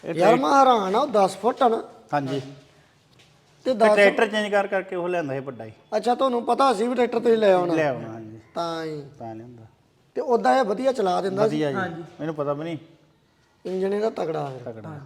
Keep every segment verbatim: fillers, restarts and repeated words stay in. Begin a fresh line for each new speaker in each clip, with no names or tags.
ਯਾਰ ਮੈਂ ਹੈਰਾਨ ਆ, ਉਹ ਦਸ ਫੁੱਟ ਆ ਨਾ।
ਹਾਂਜੀ
ਤੇ ਦਸ
ਟਰੈਕਟਰ ਚੇਂਜ ਕਰ ਕਰਕੇ ਉਹ ਲਿਆਂਦਾ ਸੀ ਵੱਡਾ ਹੀ।
ਅੱਛਾ, ਤੁਹਾਨੂੰ ਪਤਾ ਸੀ ਵੀ ਟਰੈਕਟਰ ਤੁਸੀਂ ਲੈ ਆਉਣਾ?
ਲੈ ਆਉਣਾ ਹਾਂਜੀ,
ਤਾਂ ਹੀ
ਤਾਂ ਲਿਆਂਦਾ।
ਤੇ ਉਦਾਂ ਇਹ ਵਧੀਆ ਚਲਾ ਦਿੰਦਾ ਸੀ।
ਵਧੀਆ ਜੀ, ਮੈਨੂੰ ਪਤਾ ਵੀ ਨਹੀਂ।
ਇੰਜਣ ਇਹਦਾ ਤਗੜਾ ਹੈ।
ਤਕੜਾ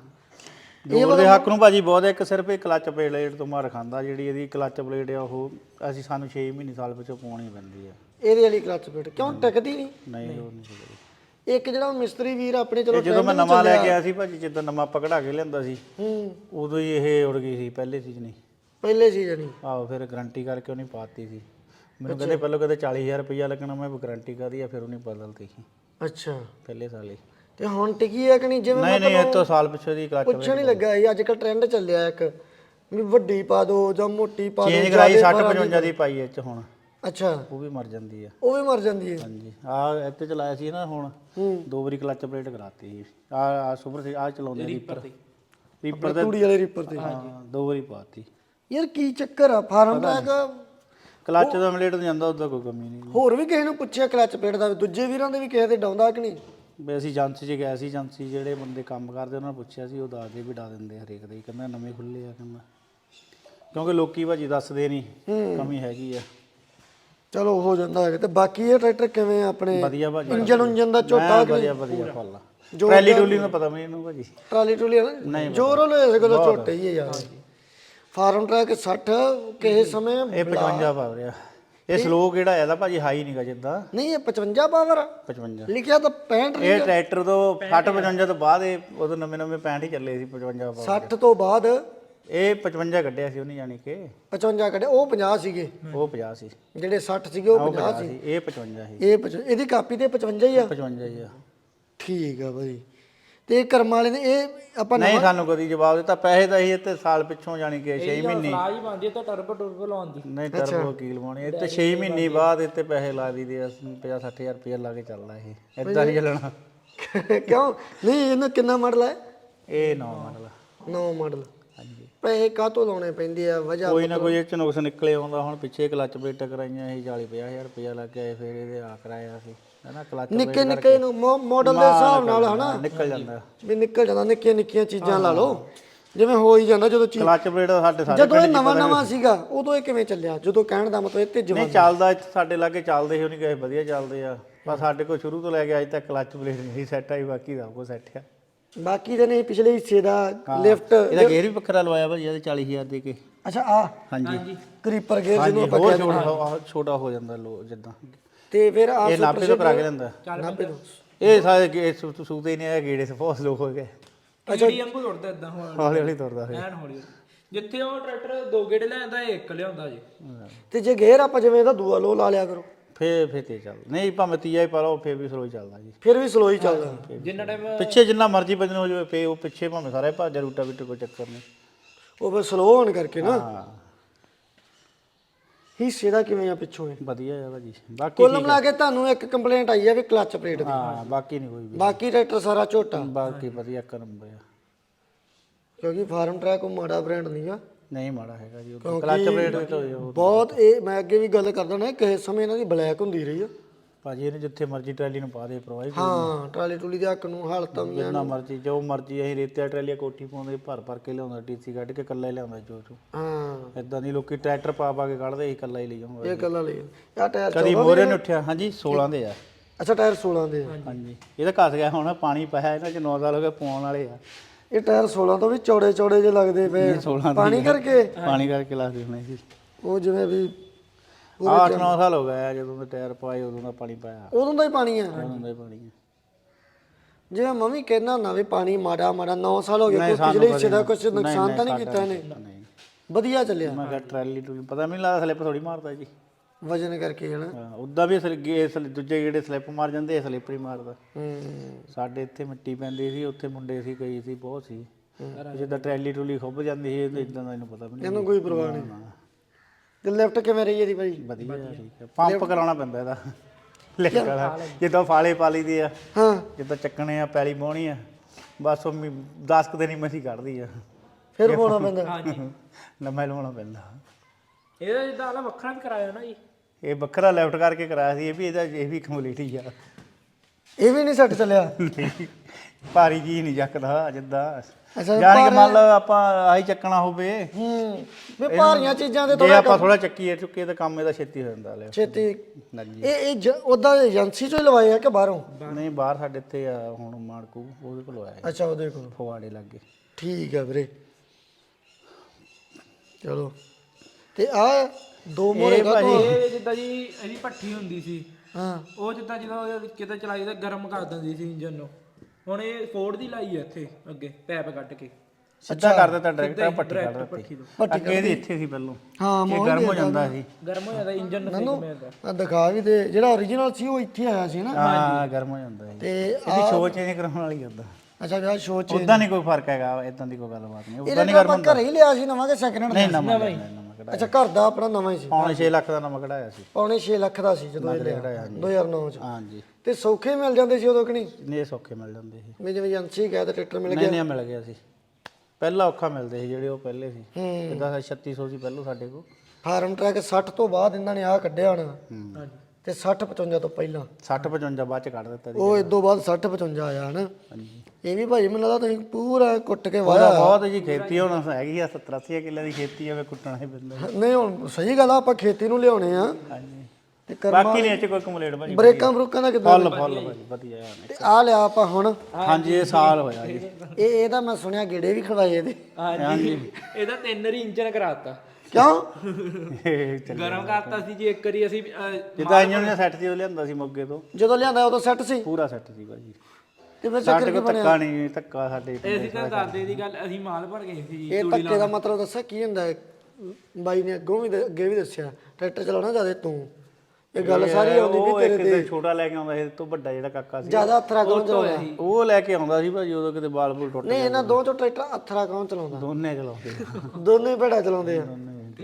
ਜੋਰ ਦੇ ਹੱਕ ਨੂੰ ਭਾਜੀ ਬਹੁਤ। ਇੱਕ ਸਿਰਫ ਇਹ ਕਲੱਚ ਪਲੇਟ ਤੋਂ ਮਾਰ ਖਾਂਦਾ। ਜਿਹੜੀ ਇਹਦੀ ਕਲੱਚ ਪਲੇਟ ਆ ਉਹ ਅਸੀਂ ਸਾਨੂੰ ਛੇ ਮਹੀਨੇ ਸਾਲ ਵਿੱਚੋਂ ਪਾਉਣੀ ਪੈਂਦੀ ਆ।
ਇਹਦੇ ਵਾਲੀ ਕਲੱਚ ਪਲੇਟ ਕਿਉਂ ਟਿਕਦੀ ਨਹੀਂ?
ਨਹੀਂ ਉਹ ਨਹੀਂ ਸਕਦੀ।
ਇੱਕ ਜਿਹੜਾ ਮਿਸਤਰੀ ਵੀਰ ਆਪਣੇ ਚਲੋ
ਜਦੋਂ ਮੈਂ ਨਵਾਂ ਲੈ ਕੇ ਆਇਆ ਸੀ ਭਾਜੀ, ਜਿੱਦਾਂ ਨਵਾਂ ਪਕੜਾ ਕੇ ਲਿਆਂਦਾ ਸੀ,
ਹੂੰ,
ਉਦੋਂ ਹੀ ਇਹ ਉੜ ਗਈ ਸੀ ਪਹਿਲੇ ਸੀਜ਼ਨ ਹੀ।
ਪਹਿਲੇ ਸੀ ਜਣੀ।
ਆਹੋ ਫਿਰ ਗਰੰਟੀ ਕਰਕੇ ਉਹਨੇ ਪਾਤੀ ਸੀ। ਮੈਨੂੰ ਕਹਿੰਦੇ ਪਹਿਲਾਂ ਕਹਿੰਦੇ ਚਾਲੀ ਹਜ਼ਾਰ ਰੁਪਈਆ ਲੱਗਣਾ। ਮੈਂ ਗਰੰਟੀ ਕਾਹਦੀ ਆ, ਫਿਰ ਉਹਨੇ ਬਦਲਤੀ ਸੀ
ਅੱਛਾ,
ਪਹਿਲੇ ਸਾਲ ਹੀ।
ਤੇ ਹੁਣ ਟਿਕੀ ਹੈ ਕਿ ਨਹੀਂ? ਜਿਵੇਂ
ਨਹੀਂ ਨਹੀਂ, ਇਹ ਤੋਂ ਸਾਲ ਪਿੱਛੇ ਦੀ ਕਲੱਚ
ਪੁੱਛਣ ਹੀ ਲੱਗਾ ਸੀ। ਅੱਜ ਕੱਲ ਟ੍ਰੈਂਡ ਚੱਲਿਆ ਇੱਕ ਵੀ ਵੱਡੀ ਪਾ ਦੋ ਜਾਂ ਮੋਟੀ ਪਾ ਦੋ।
ਚੇਂਜ ਕਰਾਈ ਸੱਠ ਪਚਵੰਜਾ ਦੀ ਪਾਈ ਇਹ ਚ ਹੁਣ।
ਅੱਛਾ,
ਉਹ ਵੀ ਮਰ ਜਾਂਦੀ ਆ।
ਉਹ ਵੀ ਮਰ ਜਾਂਦੀ ਹੈ।
ਹਾਂਜੀ, ਆ ਇੱਥੇ ਚਲਾਇਆ ਸੀ ਨਾ ਹੁਣ, ਦੋ ਵਾਰੀ ਕਲੱਚ ਪਲੇਟ ਕਰਾਤੀ ਸੀ। ਆ ਆ ਸੁਪਰ ਸੀ, ਆ ਚਲਾਉਂਦੇ ਰੀਪਰ ਤੇ ਰੀਪਰ ਤੇ
ਤੂੜੀ ਵਾਲੇ ਰੀਪਰ ਤੇ।
ਹਾਂ, ਦੋ ਵਾਰੀ ਪਾਤੀ।
ਯਾਰ ਕੀ ਚੱਕਰ ਆ? ਫਾਰਮ ਟਰੈਕ
ਕਲੱਚ ਦਾ ਮਲੇਟ ਤੋਂ ਜਾਂਦਾ, ਉਹਦਾ ਕੋਈ ਕਮੀ ਨਹੀਂ।
ਹੋਰ ਵੀ ਕਿਸੇ ਨੂੰ ਪੁੱਛਿਆ ਕਲੱਚ ਪਲੇਟ ਦਾ? ਦੂਜੇ ਵੀਰਾਂ ਦੇ ਵੀ ਕਿਸੇ ਦੇ ਡਾਉਂਦਾ ਕਿ ਨਹੀਂ?
ਵੀ ਅਸੀਂ ਏਜੰਸੀ 'ਚ ਗਏ ਸੀ। ਏਜੰਸੀ ਜਿਹੜੇ ਬੰਦੇ ਕੰਮ ਕਰਦੇ ਉਹਨਾਂ ਨੂੰ ਪੁੱਛਿਆ ਸੀ, ਉਹ ਦੱਸਦੇ ਵੀ ਡਾ ਦਿੰਦੇ ਹਰੇਕ ਦੇ। ਕਹਿੰਦਾ ਨਵੇਂ ਖੁੱਲੇ ਆ, ਕਹਿੰਦਾ ਕਿਉਂਕਿ ਲੋਕੀ ਭਾਜੀ ਦੱਸਦੇ ਨਹੀਂ ਕਮੀ ਹੈਗੀ ਆ।
ਚਲੋ ਹੋ ਜਾਂਦਾ ਹੈ। ਤੇ ਬਾਕੀ ਇਹ ਟਰੈਕਟਰ ਕਿਵੇਂ ਆਪਣੇ
ਵਧੀਆ ਭਾਜੀ,
ਇੰਜਨ ਉਂਜਨ ਦਾ ਝੋਟਾ ਕਿ
ਵਧੀਆ ਵਧੀਆ ਫੁੱਲ। ਟਰੈਲੀ ਟੂਲੀ ਨੂੰ ਪਤਾ ਮੈਨੂੰ ਇਹਨੂੰ ਭਾਜੀ।
ਟਰਾਲੀ ਟੂਲੀ ਹੈ ਨਾ, ਜੋਰ ਲੈ ਇਸ ਕੋਲ ਝੋਟੇ ਹੀ ਹੈ ਯਾਰ। ਫਾਰਮ ਟਰੈਕ ਸੱਠ ਕਿਸੇ ਸਮੇਂ
ਇਹ ਪਚਵੰਜਾ ਪਾ ਰਿਹਾ। ਇਹ ਸਲੋ ਕਿਹੜਾ ਇਹਦਾ ਭਾਜੀ, ਹਾਈ ਨਹੀਂਗਾ ਜਿੱਦਾਂ।
ਨਹੀਂ, ਇਹ ਪਚਵੰਜਾ ਪਾਵਰ ਆ
ਪਚਵੰਜਾ
ਲਿਖਿਆ ਤਾਂ ਪੈਂਹਠ।
ਇਹ ਟਰੈਕਟਰ ਤੋਂ ਸੱਠ ਪਚਵੰਜਾ ਤੋਂ ਬਾਅਦ ਇਹ ਉਦੋਂ ਨਵੇਂ ਨਵੇਂ ਪੈਂਹਠ ਹੀ ਚੱਲੇ ਸੀ। ਪਚਵੰਜਾ ਪਾ
ਸੱਠ ਤੋਂ ਬਾਅਦ
ਇਹ ਪਚਵੰਜਾ ਕੱਢਿਆ ਸੀ ਉਹਨੇ, ਜਾਣੀ ਕਿ
ਪਚਵੰਜਾ ਕੱਢੇ। ਉਹ ਪੰਜਾਹ ਸੀਗੇ,
ਉਹ ਪੰਜਾਹ ਸੀ।
ਜਿਹੜੇ ਸੱਠ ਸੀਗੇ ਉਹ
ਉਹ
ਪੰਜਾਹ
ਪੰਜਾਹ
ਸੀ।
ਸੀ, ਇਹ ਪਚਵੰਜਾ ਸੀ।
ਇਹ ਪਚ- ਇਹਦੀ ਕਾਪੀ ਤੇ ਪਚਵੰਜਾ ਹੀ ਆ।
ਪਚਵੰਜਾ ਹੀ ਆ।
ਠੀਕ ਆ ਭਾਈ। ਤੇ ਇਹ ਕਰਮ ਵਾਲੇ ਨੇ ਇਹ ਆਪਾਂ
ਨਹੀਂ ਸਾਨੂੰ ਕਦੀ ਜਵਾਬ ਦਿੱਤਾ। ਪੈਸੇ ਤਾਂ ਅਸੀਂ ਇੱਥੇ ਸਾਲ ਪਿੱਛੋਂ ਜਾਣੀ ਕਿ ਛੇ ਮਹੀਨੇ
ਫਲਾਜ ਬੰਦੀ ਤਾਂ ਟਰਬੋ ਟਰਬੋ ਲਾਉਣ ਦੀ।
ਨਹੀਂ ਟਰਬੋ ਵਕੀਲ ਪਾਉਣੀ ਇੱਥੇ ਛੇ ਮਹੀਨੇ ਬਾਅਦ ਇੱਥੇ ਪੈਸੇ ਲਾ ਦਈਦੇ ਆ। ਪੰਜਾਹ ਸੱਠ ਹਜ਼ਾਰ ਰੁਪਇਆ ਲਾ ਕੇ ਚੱਲਦਾ ਇਹ, ਏਦਾਂ ਨਹੀਂ ਚੱਲਣਾ।
ਕਿਉਂ ਨਹੀਂ? ਇਹਨੂੰ ਕਿੰਨਾ ਮਾਡਲ ਹੈ?
ਇਹ ਨੌ ਮਾਡਲ।
ਨੌ ਮਾਡਲ।
ਹਾਂਜੀ,
ਪੈਸੇ ਕਾਹਤੋਂ ਲਾਉਣੇ ਪੈਂਦੇ ਆ? ਵਜ੍ਹਾ
ਕੋਈ ਨਾ ਕੋਈ ਇਹ ਚ ਨੁਕਸ ਨਿਕਲੇ ਆਉਂਦਾ। ਹੁਣ ਪਿੱਛੇ ਕਲੱਚ ਪਲੇਟਾਂ ਕਰਾਈਆਂ ਸੀ, ਚਾਲੀ ਪੰਜਾਹ ਹਜ਼ਾਰ ਰੁਪਇਆ ਲੱਗ ਗਿਆ। ਫਿਰ ਇਹਦੇ ਆ ਕਰਾਇਆ ਸੀ ਹੈਨਾ ਕਲੱਚ
ਨਿੱਕੇ ਨਿੱਕੇ ਨੂੰ ਮਾਡਲ ਦੇ ਹਿਸਾਬ ਨਾਲ ਹਨਾ
ਨਿਕਲ ਜਾਂਦਾ
ਵੀ ਨਿਕਲ ਜਾਂਦਾ। ਨਿੱਕੀਆਂ ਨਿੱਕੀਆਂ ਚੀਜ਼ਾਂ ਲਾ ਲਓ, ਜਿਵੇਂ ਹੋ ਹੀ ਜਾਂਦਾ ਜਦੋਂ ਚੀਜ਼।
ਕਲੱਚ ਪਲੇਟ ਸਾਡੇ ਸਾਰੇ
ਜਦੋਂ ਇਹ ਨਵਾਂ ਨਵਾਂ ਸੀਗਾ ਉਦੋਂ ਇਹ ਕਿਵੇਂ ਚੱਲਿਆ? ਜਦੋਂ ਕਹਿਣ ਦਾ ਮਤਲਬ ਇਹ ਤੇ
ਨਹੀਂ ਚੱਲਦਾ। ਇੱਥੇ ਸਾਡੇ ਲਾਗੇ ਚੱਲਦੇ ਸੀ, ਉਹਨੇ ਕਹੇ ਵਧੀਆ ਚੱਲਦੇ ਆ। ਪਰ ਸਾਡੇ ਕੋਲ ਸ਼ੁਰੂ ਤੋਂ ਲੈ ਕੇ ਅੱਜ ਤੱਕ ਕਲੱਚ ਪਲੇਟ ਨਹੀਂ ਸੈੱਟ ਆਈ। ਬਾਕੀ ਸਭ ਕੁਛ ਸੈੱਟ ਆ।
ਬਾਕੀ ਦੇ ਨਹੀਂ ਪਿਛਲੇ ਹਿੱਸੇ ਦਾ ਲਿਫਟ।
ਇਹਦਾ ਗੇਅਰ ਵੀ ਵੱਖਰਾ ਲਵਾਇਆ ਭਾਜੀ, ਇਹਦੇ ਚਾਲੀ ਹਜ਼ਾਰ ਦੇ ਕੇ।
ਅੱਛਾ, ਆ
ਹਾਂਜੀ
ਕਰੀਪਰ ਗੇਅਰ ਜਿਹਨੂੰ
ਹਾਂਜੀ,
ਆਪਾਂ
ਹੋਰ
ਕਹਿੰਦੇ
ਛੋਟਾ ਛੋਟਾ ਹੋ ਜਾਂਦਾ ਲੋ ਜਿੱਦਾਂ।
ਤੇ ਫਿਰ ਆ
ਇਹ ਨਾਪੇ ਤੋਂ ਕਰਾ ਕੇ ਲੈਂਦਾ।
ਨਾਪੇ ਤੋਂ।
ਇਹ ਸਾਰੇ ਗੇ ਸੂਤੇ ਨਹੀਂ ਆਏ, ਗੇੜੇ ਸੇ ਬਹੁਤ ਲੋਕ ਹੋ ਗਏ।
ਅੱਛਾ, ਵਾਂਗੂ ਤੁਰਦਾ ਇਦਾਂ ਹੁਣ
ਹੌਲੀ ਹੌਲੀ ਤੁਰਦਾ ਫਿਰ।
ਐਨ ਹੌਲੀ। ਜਿੱਥੇ ਉਹ ਟਰੈਕਟਰ ਦੋ ਗੇੜੇ ਲੈਂਦਾ, ਇਹ ਇੱਕ ਲਿਆਉਂਦਾ ਜੀ।
ਤੇ ਜੇ ਗੇਅਰ ਆਪਾਂ ਜਿਵੇਂ ਇਹਦਾ ਦੂਆ ਲੋ ਲਾ ਲਿਆ ਕਰੋ,
ਫੇਰ ਫੇਰ ਤੇ ਚੱਲ ਨਹੀਂ, ਭਾਵੇਂ ਤੀਆ ਹੀ ਪਾ ਲਓ ਫੇਰ ਵੀ ਸਲੋ ਚੱਲਦਾ ਜੀ।
ਫਿਰ ਵੀ ਸਲੋ ਹੀ ਚੱਲਦਾ।
ਜਿੰਨਾ ਟਾਈਮ
ਪਿੱਛੇ ਜਿੰਨਾ ਮਰਜ਼ੀ ਵਜਨ ਹੋ ਜਾਵੇ ਫੇਰ ਉਹ ਪਿੱਛੇ ਭਾਵੇਂ ਸਾਰਾ ਭਾਜਾ ਰੂਟਾ ਵੀ ਕੋਈ ਚੱਕਰ ਨਹੀਂ।
ਉਹ ਫਿਰ ਸਲੋ ਹੋਣ ਕਰਕੇ ਨਾ।
ਹਾਂ,
ਹਿੱਸੇ ਦਾ ਕਿਵੇਂ ਆ ਪਿੱਛੋਂ ਇਹ?
ਵਧੀਆ ਆ ਭਾਜੀ। ਬਾਕੀ
ਕੁੱਲ ਮਿਲਾ ਕੇ ਤੁਹਾਨੂੰ ਇੱਕ ਕੰਪਲੇਂਟ ਆਈ ਆ ਵੀ ਕਲੱਚ ਪਲੇਟ ਦੀ।
ਹਾਂ, ਬਾਕੀ ਨਹੀਂ ਕੋਈ ਵੀ।
ਬਾਕੀ ਟਰੈਕਟਰ ਸਾਰਾ ਝੋਟਾ।
ਬਾਕੀ ਵਧੀਆ ਇੱਕ ਨੰਬਰ ਆ।
ਕਿਉਂਕਿ ਫਾਰਮ ਟਰੈਕ ਉਹ ਮਾੜਾ ਬ੍ਰਾਂਡ ਨਹੀਂ ਆ।
ਨਹੀਂ ਮਾੜਾ ਹੈਗਾ ਜੀ। ਕਲੱਚ ਪਲੇਟ ਵੀ ਤਾਂ ਉਹ
ਬਹੁਤ ਇਹ ਮੈਂ ਅੱਗੇ ਵੀ ਗੱਲ ਕਰਦਾ ਨਾ, ਕਿਸੇ ਸਮੇਂ ਇਹਨਾਂ ਦੀ ਬਲੈਕ ਹੁੰਦੀ ਰਹੀ ਆ
ਭਾਜੀ। ਇਹਨੇ ਜਿੱਥੇ ਮਰਜ਼ੀ ਟਰੈਲੀ ਨੂੰ ਪਾ ਦੇ ਪ੍ਰੋਵਾਈਡ।
ਹਾਂ, ਟਰਾਲੀ ਟੂਲੀ ਦੇ ਹੱਕ ਨੂੰ ਹਾਲਤ
ਜਿੰਨਾ ਮਰਜ਼ੀ ਜੋ ਮਰਜ਼ੀ ਅਸੀਂ ਰੇਤਿਆ ਟਰੈਲੀਆਂ ਕੋਠੀ ਪਾਉਂਦੇ, ਭਰ ਭਰ ਕੇ ਲਿਆਉਂਦਾ, ਟੀਸੀ ਕੱਢ ਕੇ ਇਕੱਲਾ ਹੀ ਲਿਆਉਂਦਾ ਜੋ ਜੋ।
ਹਾਂ,
ਇਦਾਂ ਦੀ ਲੋਕੀ ਟਰੈਕਟਰ ਪਾ ਪਾ ਕੇ ਕੱਢਦੇ, ਅਸੀਂ ਇਕੱਲਾ ਹੀ ਲਈ ਜਾਊਂਗਾ।
ਇਹ ਗੱਲਾਂ ਲਈ ਆ ਟਾਇਰ।
ਕਦੀ ਮੋਰੇ ਨਹੀਂ ਉੱਠਿਆ। ਹਾਂਜੀ, ਸੋਲਾਂ ਦੇ ਆ।
ਅੱਛਾ, ਟਾਇਰ ਸੋਲਾਂ ਦੇ ਆ।
ਹਾਂਜੀ, ਇਹ ਤਾਂ ਘਸ ਗਿਆ ਹੁਣ, ਪਾਣੀ ਪਾਇਆ ਇਹਨਾਂ ਚ। ਨੌ ਸਾਲ ਹੋ ਗਏ ਪਾਉਣ ਵਾਲੇ ਆ।
ਇਹ ਟਾਇਰ ਸੋਲਾਂ ਤੋਂ ਵੀ ਚੌੜੇ ਚੌੜੇ ਜੇ ਲੱਗਦੇ ਪਏ ਪਾਣੀ ਕਰਕੇ।
ਪਾਣੀ ਕਰਕੇ ਲੱਗਦੇ ਹੁੰਦੇ ਸੀ
ਉਹ ਜਿਵੇਂ ਵੀ
ਅੱਠ ਨੌ ਸਾਲ ਹੋ ਗਏ ਜਦੋਂ ਦੇ ਟਾਇਰ ਪਾਏ, ਉਦੋਂ ਦਾ ਪਾਣੀ ਪਾਇਆ।
ਉਦੋਂ ਦਾ ਹੀ ਪਾਣੀ ਆ।
ਉਦੋਂ ਦਾ ਹੀ ਪਾਣੀ ਆ।
ਜਿਵੇਂ ਮੈਂ ਵੀ ਕਹਿੰਦਾ ਹੁੰਦਾ ਵੀ ਪਾਣੀ ਮਾੜਾ ਮਾੜਾ। ਨੌ ਸਾਲ ਹੋ ਗਏ, ਕੋਈ ਪਿਛਲੇ ਹਿੱਸੇ ਦਾ ਕੁਝ ਨੁਕਸਾਨ ਤਾਂ ਨਹੀਂ ਕੀਤਾ ਇਹਨੇ? ਵਧੀਆ ਚੱਲਿਆ।
ਮੈਂ ਕਿਹਾ ਟਰੈਲੀ ਟੂਲੀ ਪਤਾ ਨਹੀਂ ਲੱਗਦਾ, ਸਲਿੱਪ ਥੋੜੀ ਮਾਰਦਾ ਜੀ
ਵਜਨ ਕਰਕੇ ਹਨਾ।
ਹਾਂ, ਉਦਾਂ ਵੀ ਇਸ ਦੂਜੇ ਜਿਹੜੇ ਸਲਿੱਪ ਮਾਰ ਜਾਂਦੇ, ਇਹ ਸਲਿੱਪ ਨਹੀਂ ਮਾਰਦਾ।
ਹੂੰ,
ਸਾਡੇ ਇੱਥੇ ਮਿੱਟੀ ਪੈਂਦੀ ਸੀ, ਉੱਥੇ ਮੁੰਡੇ ਸੀ, ਕਈ ਸੀ, ਬਹੁਤ ਸੀ। ਜਿੱਦਾਂ ਟਰੈਲੀ ਟੂਲੀ ਖੁੱਭ ਜਾਂਦੀ ਸੀ, ਇਦਾਂ ਦਾ ਇਹਨੂੰ ਪਤਾ ਵੀ ਨਹੀਂ।
ਇਹਨੂੰ ਕੋਈ ਪਰਵਾਹ ਨਹੀਂ। ਤੇ ਲਿਫਟ ਕਿਵੇਂ ਰਹੀ ਇਹਦੀ ਭਾਈ?
ਵਧੀਆ ਠੀਕ ਹੈ। ਪੰਪ ਕਰਾਉਣਾ ਪੈਂਦਾ ਇਹਦਾ ਲਿਫਟ ਵਾਲਾ। ਜਿੱਦਾਂ ਫਾਲੇ ਪਾ ਲਈ ਦੇ ਆ,
ਹਾਂ,
ਜਿੱਦਾਂ ਚੱਕਣੇ ਆ, ਪੈਲੀ ਬਾਉਣੀ ਆ, ਬਸ ਉਹ ਦਸ ਕੁ ਦਿਨ ਹੀ ਮਸੀਂ ਕੱਢਦੀ ਆ।
ਫਿਰ ਪਾਉਣਾ ਪੈਂਦਾ।
ਲੰਮਾ ਲਵਾਉਣਾ ਪੈਂਦਾ।
ਇਹਦਾ ਜਿੱਦਾਂ ਆਲਾ ਵੱਖਰਾ ਵੀ ਕਰਾਇਆ ਨਾ ਜੀ।
ਇਹ ਵੱਖਰਾ ਲੈਫਟ ਕਰਕੇ ਕਰਾਇਆ ਸੀ। ਇਹ ਵੀ ਇਹਦਾ ਇਹ ਵੀ ਕੰਪਲੀਟ ਹੀ ਆ।
ਇਹ ਵੀ ਨਹੀਂ ਸੱਟ ਚੱਲਿਆ।
ਭਾਰੀ ਜੀ ਨਹੀਂ ਚੱਕਦਾ ਜਿੱਦਾਂ
ਅੱਛਾ,
ਜਾਨੀ ਕਿ ਮੰਨ ਲਓ ਆਪਾਂ ਆਹੀ ਚੱਕਣਾ ਹੋਵੇ
ਹੂੰ ਵੀ ਭਾਰੀਆਂ ਚੀਜ਼ਾਂ ਦੇ
ਜੇ ਆਪਾਂ ਥੋੜਾ ਚੱਕੀਏ ਚੁੱਕੀਏ ਤਾਂ ਕੰਮ ਇਹਦਾ ਛੇਤੀ ਹੋ ਜਾਂਦਾ ਲੈ
ਛੇਤੀ
ਹਾਂਜੀ
ਇਹ ਇਹ ਉਹਦਾ ਏਜੰਸੀ ਚੋਂ ਹੀ ਲਵਾਏ ਆ ਕਿ ਬਾਹਰੋਂ?
ਨਹੀਂ ਬਾਹਰ ਸਾਡੇ ਇੱਥੇ ਆ ਹੁਣ ਮਾੜਕੂ ਉਹਦੇ ਕੋਲ ਆਇਆ
ਅੱਛਾ ਉਹਦੇ ਕੋਲ
ਫਵਾੜੇ ਲੱਗੇ
ਠੀਕ ਆ ਵੀਰੇ ਚਲੋ ਤੇ ਆ ਦੋ ਮੋਰੇ ਦਾ
ਇਹ ਜਿੱਦਾਂ ਜੀ ਇਹਦੀ ਭੱਠੀ ਹੁੰਦੀ ਸੀ
ਹਾਂ
ਉਹ ਜਿੱਦਾਂ ਜਦੋਂ ਕਿਤੇ ਚਲਾਈ ਤਾਂ ਗਰਮ ਕਰ ਦਿੰਦੀ ਸੀ ਇੰਜਨ ਨੂੰ। ਹੁਣ ਇਹ ਫੋਰਡ ਦੀ ਲਾਈ ਹੈ ਇੱਥੇ ਅੱਗੇ ਪੈਪ ਕੱਢ ਕੇ
ਸਿੱਧਾ ਕਰ ਦਿੱਤਾ ਡਾਇਰੈਕਟ ਪੱਟੀ ਕਰ ਦਿੱਤੀ
ਭੱਠੀ ਤੋਂ।
ਅੱਗੇ ਇਹਦੀ ਇੱਥੇ ਸੀ ਪਹਿਲੋਂ
ਹਾਂ
ਇਹ ਗਰਮ ਹੋ ਜਾਂਦਾ ਸੀ
ਗਰਮ ਹੋ ਜਾਂਦਾ ਇੰਜਨ ਨੂੰ ਸੇਕ ਮਿਲਦਾ।
ਆ ਦਿਖਾ ਵੀ ਦੇ ਜਿਹੜਾ ਓਰੀਜਨਲ ਸੀ ਉਹ ਇੱਥੇ ਆਇਆ ਸੀ ਨਾ
ਹਾਂ ਗਰਮ ਹੋ ਜਾਂਦਾ ਸੀ
ਤੇ
ਇਹਦੀ ਸ਼ੋਅ ਚੇਂਜ ਕਰਾਉਣ ਵਾਲੀ ਹੁੰਦਾ
ਅੱਛਾ ਜਿਹੜਾ ਸ਼ੋਅ ਚ
ਉਦਾਂ ਨਹੀਂ ਕੋਈ ਫਰਕ ਹੈਗਾ ਇਦਾਂ ਦੀ ਕੋਈ ਗੱਲਬਾਤ ਨਹੀਂ ਉਦਾਂ
ਇਹਦਾ
ਨਹੀਂ
ਤਾਂ
ਗਰਮ
ਆਪਾਂ ਘਰੇ ਹੀ ਲਿਆ ਸੀ ਨਵਾਂ ਕਿ ਸੈਕਿੰਡ ਹੈਂਡ?
ਨਹੀਂ ਨਵਾਂ ਨਵਾਂ ਕਢਾਇਆ
ਅੱਛਾ ਘਰ ਦਾ ਆਪਣਾ ਨਵਾਂ ਹੀ ਸੀ
ਪੌਣੇ ਛੇ ਲੱਖ ਦਾ ਨਵਾਂ ਕਢਾਇਆ ਸੀ
ਪੌਣੇ ਛੇ ਲੱਖ ਦਾ ਸੀ ਜਦੋਂ ਇਹ ਲਿਆ ਦੋ ਹਜ਼ਾਰ ਨੌ ਚ।
ਹਾਂਜੀ
ਤੇ ਸੌਖੇ ਮਿਲ ਜਾਂਦੇ ਸੀ ਉਦੋਂ ਕਿ ਨਹੀਂ?
ਨੇ ਸੌਖੇ ਮਿਲ ਜਾਂਦੇ ਸੀ
ਵੀ ਜਿਵੇਂ ਏਜੰਸੀ ਗਏ ਤਾਂ ਟਰੈਕਟਰ ਮਿਲ
ਨਹੀਂ
ਗਿਆ।
ਨਹੀਂ ਮਿਲ ਗਿਆ ਸੀ ਪਹਿਲਾਂ ਔਖਾ ਮਿਲਦੇ ਸੀ ਜਿਹੜੇ ਉਹ ਪਹਿਲੇ ਸੀ
ਹੂੰ
ਜਿੱਦਾਂ ਛੱਤੀ ਸੌ ਸੀ ਪਹਿਲੋਂ ਸਾਡੇ ਕੋਲ
ਫਾਰਮ ਟਰੈਕ ਸੱਠ ਤੋਂ ਬਾਅਦ ਇਹਨਾਂ ਨੇ ਆਹ ਕੱਢਿਆ ਹੋਣਾ
ਹੂੰ
ਤੇ ਸੱਠ ਪਚਵੰਜਾ ਤੋਂ ਪਹਿਲਾਂ
ਸੱਠ ਪਚਵੰਜਾ ਬਾਅਦ ਚ ਕੱਢ ਦਿੱਤਾ ਸੀ
ਉਹ ਇਦੋਂ ਬਾਅਦ ਸੱਠ ਪਚਵੰਜਾ ਆਇਆ ਹਨਾ।
ਹਾਂਜੀ
ਇਹ ਵੀ ਭਾਈ ਮੈਨੂੰ ਲੱਗਦਾ ਤੁਸੀਂ ਪੂਰਾ ਕੁੱਟ ਕੇ
ਉਹਦਾ
ਵਾਇਆ।
ਬਹੁਤ ਜੀ ਖੇਤੀ ਹੁਣ ਹੈਗੀ ਆ ਸੱਤਰ ਅੱਸੀ ਕਿੱਲੇ ਦੀ ਖੇਤੀ ਆ ਵੇ ਕੁੱਟਣਾ ਹੀ ਪੈਂਦਾ
ਨਹੀਂ ਹੁਣ ਸਹੀ ਗੱਲ ਆ ਆਪਾਂ ਖੇਤੀ ਨੂੰ ਲਿਆਉਣੇ ਆ
ਹਾਂਜੀ
ਤੇ ਕਰਮਾ
ਬਾਕੀ ਨਹੀਂ ਇਹ ਚ ਕੋਈ ਕੰਪਲੀਟ ਭਾਜੀ
ਬ੍ਰੇਕਾਂ ਬਰੂਕਾਂ ਦਾ ਕਿਦਾਂ?
ਫੁੱਲ ਫੁੱਲ ਭਾਜੀ ਵਧੀਆ ਆ
ਤੇ ਆ ਲਿਆ ਆਪਾਂ ਹੁਣ
ਹਾਂਜੀ ਇਹ ਸਾਲ ਹੋਇਆ ਜੀ
ਇਹ ਇਹਦਾ ਮੈਂ ਸੁਣਿਆ ਗੇੜੇ ਵੀ ਖਵਾਏ ਇਹਦੇ
ਹਾਂਜੀ ਇਹਦਾ ਤਿੰਨ ਰੀ ਇੰਜਨ ਕਰਾਤਾ
ਕਿਉਂ?
ਇਹ ਚੱਲ-
ਗਰਮ ਕਰਤਾ ਸੀ ਜੀ ਇੱਕ ਵਾਰੀ ਅਸੀਂ ਅਹ,
ਜਿੱਦਾਂ ਇੰਜਨ ਨੇ ਸੈੱਟ ਜਦੋਂ ਲਿਆਂਦਾ ਸੀ ਮੋਗੇ ਤੋਂ
ਜਦੋਂ ਲਿਆਂਦਾ ਉਦੋਂ ਸੈੱਟ ਸੀ
ਪੂਰਾ ਸੈੱਟ ਸੀ ਭਾਜੀ
ਤੇ ਫਿਰ ਚੱਕਰ
ਸਾਡੇ
ਕੀ
ਕੋਲ
ਬਣਿਆ?
ਧੱਕਾ ਨਹੀਂ ਧੱਕਾ ਸਾਡੇ
ਇਹ ਅਸੀਂ ਤਾਂ ਦੱਸਦੇ ਦੀ ਗੱਲ ਅਸੀਂ ਮਾਲ ਭਰ ਗਏ ਸੀ ਜੀ
ਇਹ ਧੱਕੇ ਦਾ ਮਤਲਬ ਦੱਸਿਆ ਕੀ ਹੁੰਦਾ ਹੈ? ਬਾਈ ਨੇ ਅੱਗੋਂ ਵੀ ਦ- ਅੱਗੇ ਵੀ ਦੱਸਿਆ ਟਰੈਕਟਰ ਚਲਾਉਣਾ ਜ਼ਿਆਦਾ ਤੂੰ ਇਹ ਗੱਲ ਸਾਰੀ ਆਉਂਦੀ ਵੀ
ਉਹ
ਤੇਰੇ
ਇੱਕ
ਤੇ
ਤੇ ਛੋਟਾ ਲੈ ਕੇ ਆਉਂਦਾ ਸੀ ਇਹ ਤੋਂ ਵੱਡਾ ਜਿਹੜਾ ਕਾਕਾ ਸੀ
ਜ਼ਿਆਦਾ ਅਥਰਾ ਕੌਣ ਚਲਾਉਂਦਾ?
ਉਹ ਲੈ ਕੇ ਆਉਂਦਾ ਸੀ ਭਾਜੀ ਉਦੋਂ ਕਿਤੇ ਬਾਲ ਬੂਲ ਟੁੱਟ
ਨਹੀਂ ਇਹਨਾਂ ਦੋ ਚੋਂ ਟਰੈਕਟਰ ਅਥਰਾ ਕੌਣ ਚਲਾਉਂਦਾ?
ਦੋਨੇ ਚਲਾਉਂਦੇ
ਦੋਨੇ ਭੇੜਾ ਚਲਾਉਂਦੇ ਆ।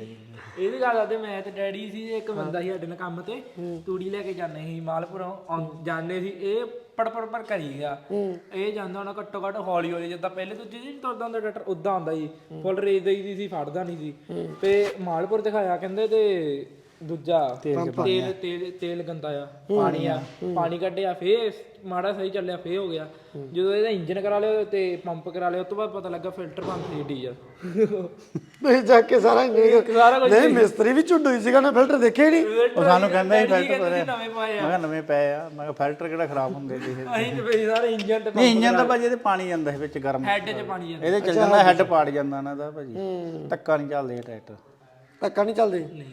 ਇਹਦੀ ਗੱਲ ਆਦੇ ਮੈਂ ਤੇ ਡੈਡੀ ਸੀ ਇੱਕ ਬੰਦਾ ਸੀ ਸਾਡੇ ਨਾਲ ਕੰਮ ਤੇ ਤੂੜੀ ਲੈ ਕੇ ਜਾਂਦੇ ਸੀ ਮਾਲਪੁਰੋਂ ਆਉਂ- ਜਾਂਦੇ ਸੀ ਇਹ ਪੜ ਪੜ ਪੜ ਕਰੀ ਗਿਆ ਇਹ ਜਾਂਦਾ ਹੋਣਾ ਘੱਟੋ ਘੱਟ ਹੌਲੀ ਹੌਲੀ ਜਿੱਦਾਂ ਪਹਿਲੇ ਦੂਜੇ ਜੀ ਤੁਰਦਾ ਹੁੰਦਾ ਟਰੈਕਟਰ ਉਦਾਂ ਆਉਂਦਾ ਸੀ ਫੁੱਲ ਰੇਸ ਦੇਈਦੀ ਸੀ ਫੜਦਾ ਨਹੀਂ ਸੀ ਤੇ ਮਾਲਪੁਰ ਦਿਖਾਇਆ ਕਹਿੰਦੇ ਤੇ ਦੂਜਾ ਤੇਲ ਤੇਲ ਤੇਲ ਗੰਦਾ ਆ ਪਾਣੀ ਆ ਪਾਣੀ ਕੱਢਿਆ ਫੇਰ ਮਾੜਾ ਸਹੀ ਚੱਲਿਆ ਫੇਰ ਹੋ ਗਿਆ ਜਦੋਂ ਇਹਦਾ ਇੰਜਨ ਕਰਾ ਲਿਆ ਤੇ ਪੰਪ ਕਰਾ ਲਿਆ ਉਸ ਤੋਂ ਬਾਅਦ ਪਤਾ ਲੱਗਾ ਫਿਲਟਰ ਪੰਪ ਸੀ ਡੀਜ਼ਲ
ਨਹੀਂ ਜਾ ਕੇ ਸਾਰਾ ਇੰਨੇ
ਸਾਰਾ ਕੁਝ
ਨਹੀਂ ਮਿਸਤਰੀ ਵੀ ਝੁੱਡੂ ਹੀ ਸੀਗਾ ਨਾ ਫਿਲਟਰ ਦੇਖੇ ਨਹੀਂ।
ਉਹ ਸਾਨੂੰ ਕਹਿੰਦਾ ਸੀ ਫਿਲਟਰ
ਕਹਿੰਦੇ ਸੀ ਨਵੇਂ ਪਾਏ
ਮੈਂ ਕਿਹਾ ਨਵੇਂ ਪਏ ਆ ਮੈਂ ਕਿਹਾ ਫਿਲਟਰ ਕਿਹੜਾ ਖਰਾਬ ਹੁੰਦੇ ਸੀ ਇਹ
ਅਸੀਂ ਤੇ ਬਈ ਸਾਰੇ ਇੰਜਨ ਤੇ
ਨਹੀਂ ਇੰਜਨ ਤਾਂ ਭਾਜੀ ਇਹਦੇ ਪਾਣੀ ਜਾਂਦਾ ਸੀ ਵਿੱਚ ਗਰਮ
ਹੈਡ 'ਚ ਪਾਣੀ ਜਾਂਦਾ
ਇਹਦੇ ਚੱਲ ਜਾਂਦਾ ਹੈੱਡ ਪਾੜ ਜਾਂਦਾ ਇਹਨਾਂ ਦਾ ਭਾਜੀ ਧੱਕਾ ਨਹੀਂ ਚੱਲਦੇ ਟਰੈਕਟਰ
ਧੱਕਾ ਨਹੀਂ ਚੱਲਦੇ।
ਨਹੀਂ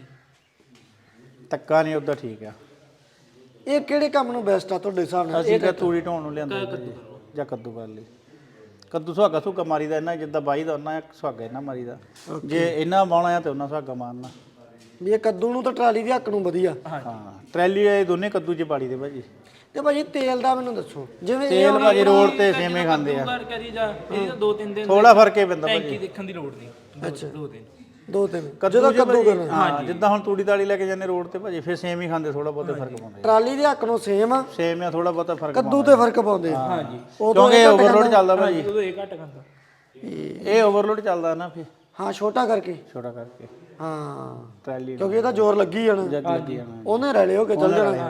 ਧੱਕਾ ਨਹੀਂ ਉਦਾਂ ਠੀਕ ਆ
ਇਹ ਕਿਹੜੇ ਕੰਮ ਨੂੰ ਬੈਸਟ ਆ ਤੁਹਾਡੇ ਹਿਸਾਬ ਨਾਲ?
ਅਸੀਂ ਤਾਂ ਤੂੜੀ ਢੋਣ ਨੂੰ ਲਿਆਂਦੇ ਭਾਜੀ ਜਾਂ ਕੱਦੂ ਕਰ ਲਈ ਕੱਦੂ ਸੁਹਾਗਾ ਸੁਹਾਗਾ ਮਾਰੀ ਦਾ ਇਹਨਾਂ ਜਿੱਦਾਂ ਬਾਈ ਦਾ ਉਹਨਾਂ ਸੁਹਾਗਾ ਇਹਨਾਂ ਮਾਰੀ ਦਾ ਜੇ ਇਹਨਾਂ ਬਾਉਣਾ ਆ ਤੇ ਉਹਨਾਂ ਸੁਹਾਗਾ ਮਾਰਨਾ
ਵੀ ਇਹ ਕੱਦੂ ਨੂੰ ਤਾਂ ਟਰਾਲੀ ਦੀ ਹੱਕ ਨੂੰ ਵਧੀਆ।
ਹਾਂ ਟਰੈਲੀ ਇਹ ਦੋਨੇ ਕੱਦੂ ਚ ਪਾੜੀ ਦੇ ਭਾਜੀ
ਤੇ ਭਾਜੀ ਤੇਲ ਦਾ ਮੈਨੂੰ ਦੱਸੋ ਜਿਵੇਂ ਇਹ
ਤੇਲ ਭਾਜੀ ਰੋਡ ਤੇ ਸੇਵੇਂ ਖਾਂਦੇ ਆ
ਕਰ ਕਰੀ ਜਾ ਇਹਦੀ ਤਾਂ ਦੋ ਤਿੰਨ ਦਿਨ
ਥੋੜਾ ਫਰਕ ਹੀ ਪੈਂਦਾ
ਟੈਂਕੀ
ਭਾਜੀ
ਦੇਖਣ ਦੀ ਲੋੜ ਨਹੀਂ ਅੱਛਾ ਦੋ ਦਿਨ
ਦੋ ਤਿੰਨ
ਜਦੋਂ ਕੱਦੂ ਕਰਨਾ ਹਾਂ ਜਿੱਦਾਂ ਹੁਣ ਤੂੜੀ ਦਾਲੀ ਲੈ ਕੇ ਜਾਂਦੇ ਰੋਡ ਤੇ ਭਾਜੀ ਫਿਰ ਸੇਮ ਹੀ ਖਾਂਦੇ ਥੋੜਾ ਬਹੁਤਾ ਫਰਕ ਪਾਉਂਦੇ
ਟਰਾਲੀ ਦੇ ਹੱਕ ਨੂੰ ਸੇਮ ਆ,
ਸੇਮ ਆ ਥੋੜਾ ਬਹੁਤਾ ਫਰਕ
ਕੱਦੂ ਤੇ ਫਰਕ ਪਾਉਂਦੇ ਆ।
ਹਾਂਜੀ
ਕਿਉਂਕਿ ਓਵਰਲੋਡ ਚੱਲਦਾ ਭਾਜੀ
ਉਦੋਂ ਇਹ ਘੱਟ ਖਾਂਦਾ
ਇਹ ਓਵਰਲੋਡ ਚੱਲਦਾ ਨਾ ਫਿਰ
ਹਾਂ ਛੋਟਾ ਕਰਕੇ
ਛੋਟਾ ਕਰਕੇ
ਹਾਂ
ਟਰੈਲੀ
ਕਿਉਂਕਿ ਇਹਦਾ ਜ਼ੋਰ ਲੱਗੀ ਜਾਣਾ
ਜੱਗ ਲੱਗੀ ਜਾਣਾ
ਉਹਨੇ ਰਲੇ ਹੋ ਕੇ ਚੱਲ ਜਾਣਾ।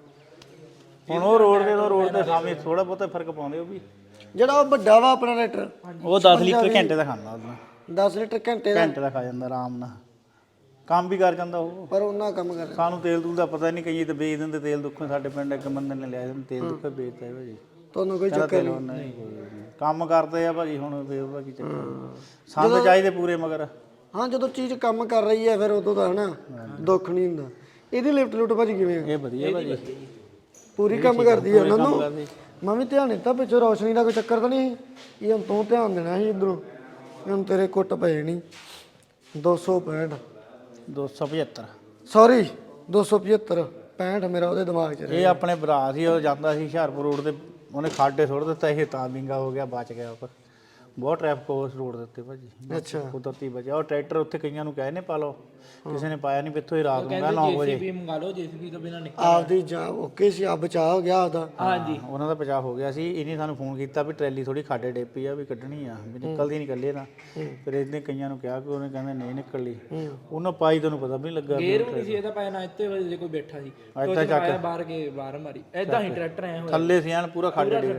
ਹੁਣ ਉਹ ਰੋਡ ਦੇ ਤੋਂ ਰੋਡ ਦੇ ਸਾਹਮਣੇ ਥੋੜਾ ਬਹੁਤਾ ਫਰਕ ਪਾਉਂਦੇ ਉਹ ਵੀ
ਜਿਹੜਾ ਉਹ ਵੱਡਾ ਵਾ ਆਪਣਾ ਟਰੈਕਟਰ
ਉਹ ਦਸ ਲੀਟਰ ਘੰਟੇ ਦਾ ਖਾਂਦਾ ਉਹਦਾ
ਦਸ ਲੀਟਰ ਘੰਟੇ ਦਾ,
ਘੰਟੇ ਦਾ ਖਾ ਜਾਂਦਾ ਆਰਾਮ ਨਾਲ ਕੰਮ ਵੀ ਕਰ ਜਾਂਦਾ ਉਹ
ਪਰ ਉਹਨਾਂ ਕੰਮ ਕਰ
ਸਾਨੂੰ ਤੇਲ ਤੂਲ ਦਾ ਪਤਾ ਨਹੀਂ ਕਈ ਤੇ ਵੇਚ ਦਿੰਦੇ ਤੇਲ ਦੁੱਖੋਂ ਸਾਡੇ ਪਿੰਡ ਇੱਕ ਬੰਦੇ ਨੇ ਲਿਆ ਸੀ ਤੇਲ ਦੁੱਖੋਂ ਵੇਚਦਾ ਹੈ ਭਾਜੀ
ਤੁਹਾਨੂੰ ਕੋਈ
ਕਹਿੰਦਾ
ਚੱਕਰ
ਤੇਲ
ਨਹੀਂ।
ਨਹੀਂ ਕੋਈ ਨਹੀਂ। ਕੰਮ ਕਰਦੇ ਆ ਭਾਜੀ ਹੁਣ ਫੇਰ ਉਹਦਾ ਕੀ ਚੱਕਰ ਸੰਦ ਚਾਹੀਦੇ ਪੂਰੇ ਮਗਰ
ਹਾਂ ਜਦੋਂ ਚੀਜ਼ ਕੰਮ ਕਰ ਰਹੀ ਹੈ ਫਿਰ ਉਦੋਂ ਤਾਂ ਹਨਾ ਦੁੱਖ ਨਹੀਂ ਹੁੰਦਾ। ਇਹਦੀ ਲਿਫਟ ਲੁੱਟ ਭਾਜੀ ਕਿਵੇਂ ਆ?
ਇਹ ਵਧੀਆ ਭਾਜੀ
ਪੂਰੀ ਕੰਮ ਕਰਦੀ ਹੈ ਉਹਨਾਂ
ਕੰਮ
ਨੂੰ।
ਕਰਦੀ।
ਮੈਂ ਵੀ ਧਿਆਨ ਦਿੱਤਾ ਪਿੱਛੋਂ ਰੌਸ਼ਨੀ ਦਾ ਕੋਈ ਚੱਕਰ ਤਾਂ ਨਹੀਂ? ਇਹ ਹੁਣ ਤੂੰ ਧਿਆਨ ਦੇਣਾ ਸੀ ਇਧਰੋਂ, ਹੁਣ ਤੇਰੇ ਕੁੱਟ ਪਏ ਨਹੀਂ। ਦੋ ਸੌ ਪੈਂਹਠ
ਦੋ ਸੌ ਪਝੱਤਰ
ਸੌਰੀ ਦੋ ਸੌ ਪਝੱਤਰ ਪੈਂਹਠ ਮੇਰਾ ਉਹਦੇ ਦਿਮਾਗ 'ਚ
ਇਹ ਆਪਣੇ ਭਰਾ ਸੀ ਉਹ ਜਾਂਦਾ ਸੀ ਹੁਸ਼ਿਆਰਪੁਰ ਰੋਡ ਤੇ ਉਹਨੇ ਖਾਡੇ ਸੁੱਟ ਦਿੱਤਾ ਇਹ ਤਾਂ ਵਿੰਗਾ ਹੋ ਗਿਆ ਬਚ ਗਿਆ ਉਹ ਬਹੁਤ ਟ੍ਰੈਫਿਕ ਉਸ ਰੋਡ ਦੇ ਉੱਤੇ ਭਾਜੀ
ਅੱਛਾ
ਕੁਦਰਤੀ ਬਚਿਆ ਉਹ ਟਰੈਕਟਰ ਉੱਥੇ ਕਈਆਂ ਨੂੰ ਕਹੇ ਨੇ ਪਾ ਲਓ ਕਿਸੇ ਨੇ ਪਾਇਆ ਨਹੀਂ ਪਿੱਥੋਂ ਹੀ ਰਾਤ ਨੂੰ ਨੌ ਵਜੇ
ਜੀਸੀਬੀ ਮੰਗਾ ਲਓ ਜੀਸੀਬੀ ਤੋਂ ਬਿਨਾ ਨਿਕਲ
ਆਪਦੀ ਜਾ ਓਕੇ ਸੀ ਆ ਬਚਾ ਹੋ ਗਿਆ ਉਹਦਾ।
ਹਾਂਜੀ
ਉਹਨਾਂ ਦਾ ਬਚਾਅ ਹੋ ਗਿਆ ਸੀ। ਇਹਨੇ ਸਾਨੂੰ ਫੋਨ ਕੀਤਾ ਵੀ ਟਰੈਲੀ ਥੋੜੀ ਖਾਡੇ ਡੇਪੀ ਆ ਵੀ ਕੱਢਣੀ ਆ ਵੀ ਨਿਕਲਦੀ ਨਹੀਂ ਇਕੱਲੇ ਨਾ ਫਿਰ ਇਹਨੇ ਕਈਆਂ ਨੂੰ ਕਿਹਾ ਕਿ ਉਹਨੇ ਕਹਿੰਦੇ ਨਹੀਂ ਨਿਕਲਦੀ ਉਹਨਾਂ ਪਾਈ ਤੈਨੂੰ ਪਤਾ ਵੀ ਨਹੀਂ ਲੱਗਾ
ਗੇਰ ਵੀ ਨਹੀਂ ਸੀ ਇਹਦਾ ਪਾਇਆ ਨਾ ਇੱਥੇ ਵਜੇ ਕੋਈ ਬੈਠਾ ਸੀ ਇੱਦਾਂ ਚੱਕ ਬਾਹਰ ਕੇ ਬਾਹਰ ਮਾਰੀ ਐਦਾਂ ਹੀ ਟਰੈਕਟਰ ਆਇਆ ਹੋਇਆ
ਥੱਲੇ ਸੀ ਐਨ ਪੂਰਾ ਖਾਡੇ ਡੇ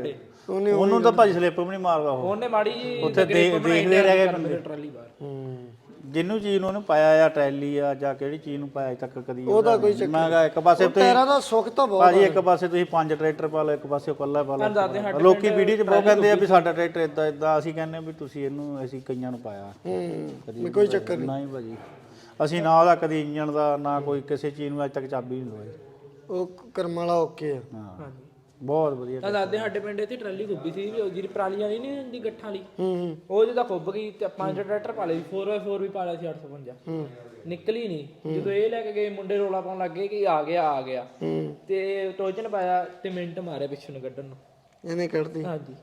ਉਹਨੇ
ਉਹਨੂੰ ਤਾਂ ਭਾਜੀ ਸਲਿੱਪ ਵੀ ਨਹੀਂ ਮਾਰਦਾ ਉਹ
ਉਹਨੇ ਮਾੜੀ ਜੀ
ਉੱਥੇ ਦੇਖ ਦੇਖਦੇ ਰਹਿ ਗਏ ਬੰਦੇ
ਟਰਾਲੀ ਬਾਹਰ
ਹੂੰ
ਜਿਹਨੂੰ ਚੀਜ਼ ਨੂੰ ਉਹਨੇ ਪਾਇਆ ਆ ਟਰੈਲੀ ਆ ਜਾਂ ਕਿਹੜੀ ਚੀਜ਼ ਨੂੰ ਪਾਇਆ ਅਜੇ ਤੱਕ ਕਦੀ
ਉਹਦਾ ਕੋਈ ਚੱਕਰ
ਮੈਂ ਕਿਹਾ ਇੱਕ ਪਾਸੇ ਤੁਸੀਂ
ਟਾਇਰਾਂ ਦਾ ਸੁੱਖ ਤਾਂ ਬਹੁਤ
ਭਾਜੀ ਇੱਕ ਪਾਸੇ ਤੁਸੀਂ ਪੰਜ ਟਰੈਕਟਰ ਪਾ ਲਓ ਇੱਕ ਪਾਸੇ ਇਕੱਲਾ ਪਾ ਲਓ ਲੋਕੀ ਵੀਡੀਓ 'ਚ ਬਹੁਤ ਕਹਿੰਦੇ ਆ ਵੀ ਸਾਡਾ ਟਰੈਕਟਰ ਇਦਾਂ ਇਦਾਂ ਅਸੀਂ ਕਹਿੰਦੇ ਆ ਵੀ ਤੁਸੀਂ ਇਹਨੂੰ ਅਸੀਂ ਕਈਆਂ ਨੂੰ ਪਾਇਆ
ਹੂੰ ਕੋਈ ਚੱਕਰ ਨਹੀਂ
ਨਹੀਂ ਭਾਜੀ ਅਸੀਂ ਨਾ ਉਹਦਾ ਕਦੀ ਇੰਜਣ ਦਾ ਨਾ ਕੋਈ ਕਿਸੇ ਚੀਜ਼ ਨੂੰ ਅੱਜ ਤੱਕ ਚਾਬੀ ਨਹੀਂ ਲਵਾਈ
ਉਹ ਕਰਮ ਵਾਲਾ ਓਕੇ ਆ
ਹਾਂ ਬਹੁਤ ਵਧੀਆ
ਤਾਂ ਦਾਦੇ ਸਾਡੇ ਪਿੰਡ ਇੱਥੇ ਟਰਾਲੀ ਖੁੱਬੀ ਸੀ ਵੀ ਉਹ ਜਿਹੜੀ ਪਰਾਲੀਆਂ ਨਹੀਂ ਨਹੀਂ ਹੁੰਦੀ ਗੱਠਾਂ ਵਾਲੀ
ਹੂੰ
ਉਹ ਜਿਹਦਾ ਖੁੱਬ ਗਈ ਤੇ ਪੰਜ ਟਰੈਕਟਰ ਪਾ ਲਏ ਫੋਰ ਬਾਈ ਫੋਰ ਵੀ ਪਾ ਲਿਆ ਸੀ ਅੱਠ ਸੌ ਪੰਜਾਹ
ਹੂੰ
ਨਿਕਲੀ ਨਹੀਂ ਜਦੋਂ ਇਹ ਲੈ ਕੇ ਗਏ ਮੁੰਡੇ ਰੋਲਾ ਪਾਉਣ ਲੱਗੇ ਕਿ ਆ ਗਿਆ ਆ ਗਿਆ
ਹੂੰ
ਤੇ ਟੋਜਨ ਪਾਇਆ ਤੇ ਮਿੰਟ ਮਾਰਿਆ ਪਿੱਛੋਂ ਨੂੰ ਕੱਢਣ ਨੂੰ
ਇਹਨੇ ਕੱਢਦੀ
ਹਾਂਜੀ